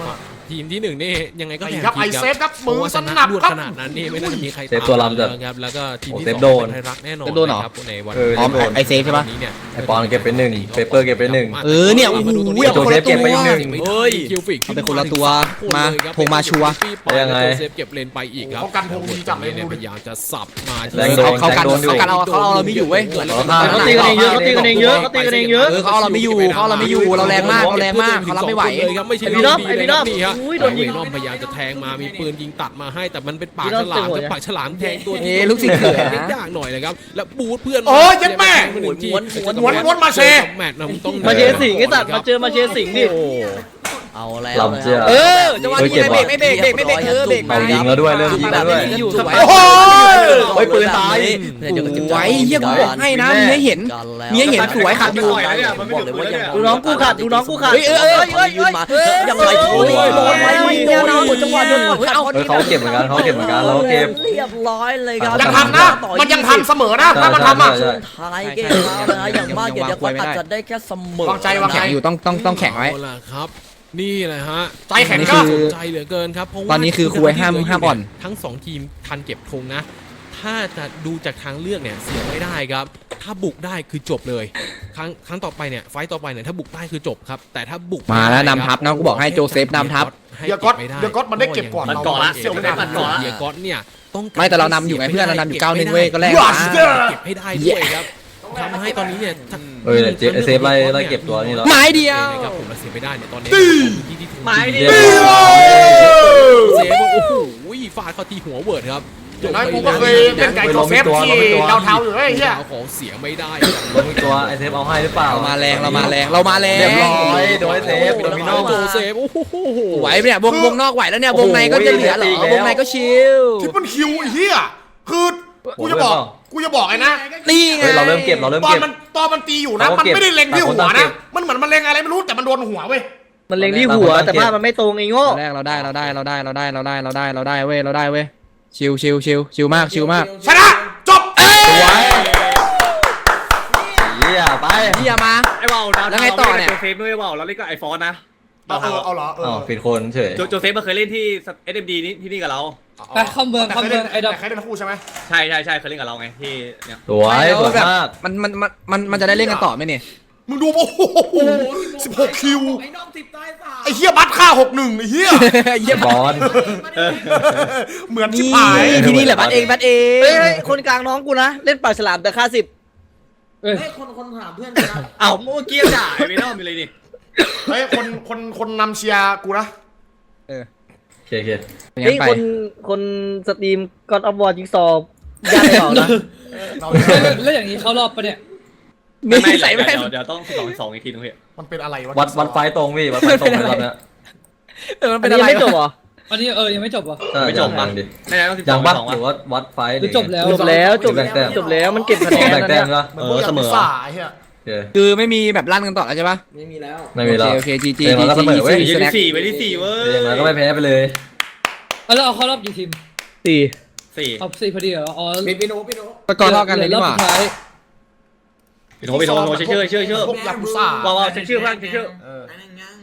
Speaker 8: ทีมที่หนึ่งนี่ยังไงก็แข่ง
Speaker 2: ครับ
Speaker 8: ที
Speaker 2: ไอ
Speaker 8: ม
Speaker 2: เซฟครับ
Speaker 8: เพ
Speaker 2: มื
Speaker 8: ราะ
Speaker 2: อ
Speaker 8: ว่า
Speaker 2: ส
Speaker 8: ชนะ
Speaker 2: นับ
Speaker 8: รวด
Speaker 2: ครับ
Speaker 8: ขนาดนั้นนี่ไม่น่าจะมีใคร
Speaker 5: เซฟตัวล้ำจัด
Speaker 8: ครับแล้วก็ทีม
Speaker 5: โอ้
Speaker 8: ที่
Speaker 5: เซ
Speaker 8: ส
Speaker 5: ฟ
Speaker 8: อง
Speaker 5: โดน
Speaker 8: เป็นไทยรักแน่นอน
Speaker 3: เซฟโดนเหรอ
Speaker 8: ครับในวัน
Speaker 5: เออ
Speaker 3: อ๋อ
Speaker 5: เซฟโดน
Speaker 3: ไอเซฟใช่ปะ
Speaker 8: นี้เนี่ย
Speaker 5: ไอ้ปอนเก็บไปหนึ่งเปเปอร์เก็บไปหนึ่ง
Speaker 3: เออเนี่ยโอ้โห
Speaker 5: โจเซฟเก็บไปอีกหนึ่ง
Speaker 8: เฮ้ยคิวฟิก
Speaker 3: เอาไปคนละตัวมาธงมาชัวร์
Speaker 5: ยังไง
Speaker 8: โจเซฟเก็บเลนไปอีกครับ
Speaker 2: เขากันธงดีจังเลย
Speaker 8: เนี่ยพยายามจะสับมาที่
Speaker 5: แรงโดน
Speaker 3: เขากัน
Speaker 5: แรงโดนอยู่
Speaker 3: เขากันเอาเขาเอาเราไม่อยู่เว้ย
Speaker 5: เขาตีกันเองเยอะเขาตีกันเองเยอะเขาตีกันเองเยอะ
Speaker 3: เออเขาเอาเราไม่อยู่เขาเอาเราไม่อยู่เราแรงมากเราแรงมากเขารับไม่ไหว
Speaker 8: เลยครับไม่ใช่
Speaker 5: ไอ้พี่น้องไอ้พี่น้อง
Speaker 8: นี่ฮะ
Speaker 5: อุ้ยโดนยิง
Speaker 8: ไอ้น้องพยายามจะแทงมามีปืนยิงตัดมาให้แต่มันเป็นปากฉลามครับปากฉลามแทงตัว
Speaker 3: เอ๊ะลูกศิษย์เขยนะ
Speaker 8: ยากหน่อยเลยครับแล้วบูทเพื่อน
Speaker 2: โอ้ยเจ็บแม่
Speaker 8: หนึ่งที
Speaker 2: ม้วนม้วนม้วนมาเช
Speaker 8: แมตช์นะมันต้อง
Speaker 5: มาเชสิงห์ไอ้สัตว์มาเจอมาเชสิงห์ดิ
Speaker 8: โอ้
Speaker 4: เอาแล้ว
Speaker 5: ลำเชื่อ
Speaker 3: เออจังหวะนี้ไม่เบรกไม่เบรกเบรกไม่เบรกเออเบรก
Speaker 5: เอายิงแล้วด้วยเริ่มยิงแล้วด้วย
Speaker 3: อยู่สวย
Speaker 2: โอ้โห
Speaker 5: โอ้ยปืนตาย
Speaker 3: ไว้เหี้ยกูบอกให้นะมีให้เห็นมีให้เห็นสวยขัดอยู่
Speaker 4: บอกเลยว่ายัง
Speaker 5: ดูน้องกูขัดดูน้องกูขัด
Speaker 3: เฮ้ยเออเออเออ
Speaker 4: ยืนมายังไรโอ้ยโดนไว้ไม่เดียวนะจังหวะโดน
Speaker 3: เฮ้ยเอา
Speaker 5: เออเขาเก็บเหมือนกันเขาเก็บเหมือนกันเราก็เก็บ
Speaker 4: เรียบร้อยเลยครับ
Speaker 2: ยังทันนะ มันยังทันเสมอนะ ถ้ามันทำอ่ะ
Speaker 5: ใช่
Speaker 4: ท้ายเกมแล้วนะอย่างมากเดี๋ยวก็อาจจะได้แค่เสมอ
Speaker 2: วางใจวางใจ
Speaker 3: แข่งอยู่ต้องต้องต้องแข่งไว้
Speaker 8: เอาล่ะครับ นี่แหละฮะ
Speaker 2: ใจแข็ง
Speaker 3: นี่
Speaker 2: ก็
Speaker 3: คือ
Speaker 8: ใจเหลือเกินครับเพราะว่า
Speaker 3: ตอนนี้คือคุยห้ามห้ามอ่อน
Speaker 8: ทั้งสองทีมทันเก็บธงนะ ถ้าจะดูจากทางเลือกเนี่ยเสียไม่ได้ครับ ถ้าบุกได้คือจบเลย ครั้งครั้งต่อไปเนี่ยไฟต์ต่อไปเนี่ยถ้าบุกได้คือจบครับ แต่ถ้าบุก
Speaker 3: มาแล้ว
Speaker 8: ไได้
Speaker 3: นำทัพนะกูบอกให้โจเซฟนำทัพ
Speaker 8: ให้
Speaker 2: เดี๋ยวก๊อต
Speaker 8: บไม่ไ
Speaker 2: เดี๋ยวก๊อตมันได้เก็บก่อน
Speaker 7: มันเกาะละ
Speaker 2: เสี่ยวไม่ได้
Speaker 7: มันเกาะละ
Speaker 8: เดียก๊อตเนี่ยต้องก
Speaker 3: ไม่แต่เรานำอยู่ไงเพื่อนเรานำอยู่เก้าหนึ่งเว้ยก็แลก
Speaker 2: ว้า
Speaker 3: มา
Speaker 2: เจ้า
Speaker 8: เก็บให้ได้ด้วยครับทำให้ตอนนี้เนี่ย
Speaker 5: เออเจเซฟไล่ไล่เก็บตัวนี่แล้ว
Speaker 3: ไม้เดียว
Speaker 8: นะครับผมเราเสียไม่ได้เนี่ยตอนนี้ที่ที่ถึง
Speaker 7: ไม้ดิ
Speaker 5: เดียว
Speaker 8: เซฟโอ้โหฟาดเข้าที่หัวเวิร์ดครับ
Speaker 2: อย่างน้อยกูก็เคยเป็นไก่โจเซฟที่ดาวเทาอยู่เฮ้ยเฮีย
Speaker 8: ดาวของเสียไม่ได้
Speaker 5: ลงอีกตัวไอเซฟเอาให้หรือเปล่า
Speaker 3: เรามาแรงเรามาแรงเรามาแรง
Speaker 5: เรียบร้อยโดยเซฟโดมิโน
Speaker 8: โจเซฟโอ้โห
Speaker 3: ไหวเนี่ยวงวงนอกไหวแล้วเนี่ยวงในก็จะเหลือเหรอวงในก็ชิล
Speaker 2: ทิปเปิลคิวไอ้เฮียคือกูจะบอกกูจะบอกไอ้นะ
Speaker 3: นี่ไง
Speaker 5: เฮ้ยเราเริ่มเก็บเราเริ่ม
Speaker 2: ตอน
Speaker 5: เก็บ
Speaker 2: มันตอนมันตีอยู่นะ
Speaker 5: เราก็
Speaker 2: มัน
Speaker 5: เก็บ
Speaker 2: ไม่ได้เล็งที่หัว
Speaker 5: ต่างคนต่างเก็
Speaker 2: นะ
Speaker 5: บ
Speaker 2: มันเหมือนมันเล็งอะไรไม่รู้แต่มันโดนหัวเว้ย
Speaker 5: มันเล็งที่หัวแต่ภาพมันไม่ตรงไอ้โง่
Speaker 3: แรกเราได้เราได้เราได้เราได้เราได้เราได้เราได้เว้ยเราได้เว้ยชิลชิลชิลชิลมากชิลมาก
Speaker 2: ชนะจบเอ้ย
Speaker 5: เฮียไป
Speaker 3: เฮียมา
Speaker 7: ไอ้ว่าวดาว
Speaker 3: แล้วไงต่อเนี่ย
Speaker 7: โจเซฟด้วยว่าวแล้วเล่นกับไอฟอนนะ
Speaker 2: เอาเออเอาเหรอเอ
Speaker 5: อ๋อ
Speaker 2: อ
Speaker 5: ผิดคนเฉย
Speaker 7: โจโจเซฟมาเคยเล่นที่ เอส เอ็ม ดี นี่ที่นี่กับเรา
Speaker 1: ไปเข้าเมืองเข้าเมืองไอ้ดอก
Speaker 2: แต่ใครเล่นคู่ใช่ไหม
Speaker 7: ใช่ใช่ใช่เคยเล่นกับเราไงที่เนี่ย
Speaker 5: สวยสวยมาก
Speaker 3: มันมันมันมันมันจะได้เล่นกันต่อไหมเนี่ย
Speaker 2: มึงดูโอ้โหสิบหกคิวไอ้เฮียบัตรค่าหกหนึ่งไอ้เฮีย
Speaker 3: เยี่ยม
Speaker 5: บอล
Speaker 2: เหมือนชิบ
Speaker 3: นี่
Speaker 2: หาย
Speaker 3: ที่นี่แหละบัตเองบัตเอง
Speaker 5: เฮ้ยคนกลางน้องกูนะเล่นปากฉลามแต่ค่าสิบ
Speaker 1: เอ้ย
Speaker 7: เอ้าเมื่อกี้ด่าไอ้ไม่ต้องมีเลยนี่
Speaker 2: เฮ้ยคนคนคนนำเชียร์กูนะ
Speaker 5: โอเคโอเค
Speaker 3: เฮ้ยคน
Speaker 5: คนสตรีมกอดออฟวอร์จิงซอว์ยากไม่ออกนะ
Speaker 2: เรา
Speaker 1: แล้วอย่างนี้เขารอบปะเนี่ย
Speaker 7: ไม่ไม่
Speaker 3: ใส่ไม่
Speaker 7: เดี๋ยวเดี๋ยวต้องสองสองอีกทีนึงพี่
Speaker 2: มันเป็นอะไรวะ
Speaker 5: วัดวัดไฟตรงพี่วัดไฟตรงเลยรอบเนี้ย
Speaker 3: เออมันเป็นอะไรไม่จบเหรอ
Speaker 1: อันนี้เออยังไม่จบวะ
Speaker 7: ไม่จบ
Speaker 5: ยั
Speaker 7: ปะ
Speaker 5: งดิ
Speaker 7: ไม่ได้ต้องสิบส
Speaker 5: ยั
Speaker 7: อง ง
Speaker 5: ปะ
Speaker 7: สอง
Speaker 5: หรือ
Speaker 7: วะ
Speaker 5: ว่าวัดไฟ
Speaker 1: หรือจบแล้ว
Speaker 5: จบแล้วจบจบแล้วมันเก็บคะแนนแบ่งแต้มละ
Speaker 2: เหมือนพวกอย่างพิซซ่าไอ้เหี้ย
Speaker 5: โอเค
Speaker 3: คือไม่มีแบบลั่นกันต่อแล้วใช่ปะ
Speaker 5: ไม่มี
Speaker 3: โอ
Speaker 5: แล้ว
Speaker 3: เคโอเคจีจี
Speaker 5: เดี๋ยวมันก็เสมอเว้ย
Speaker 7: ยี่สิบสี่ไปที่สี่เว้ย
Speaker 5: อย่างไรก็ไม่แพ้ไปเลย
Speaker 1: เอาแล้วเอาเข้ารอบกี่ทีม
Speaker 5: สี่
Speaker 7: สี่
Speaker 1: เอาสี่พอดีเหรออ๋อ
Speaker 3: ตะกอนเท่ากันเลยนี่หว่า
Speaker 1: หอรอบสุดท้าย
Speaker 7: พี่โทพี่โทโทเชื่อเชื่อเชื่อ
Speaker 2: พวกยากุซ่า
Speaker 7: ว้าวว้าวเช็คชื่อเพื่อนเช็คชื่อ
Speaker 2: เออ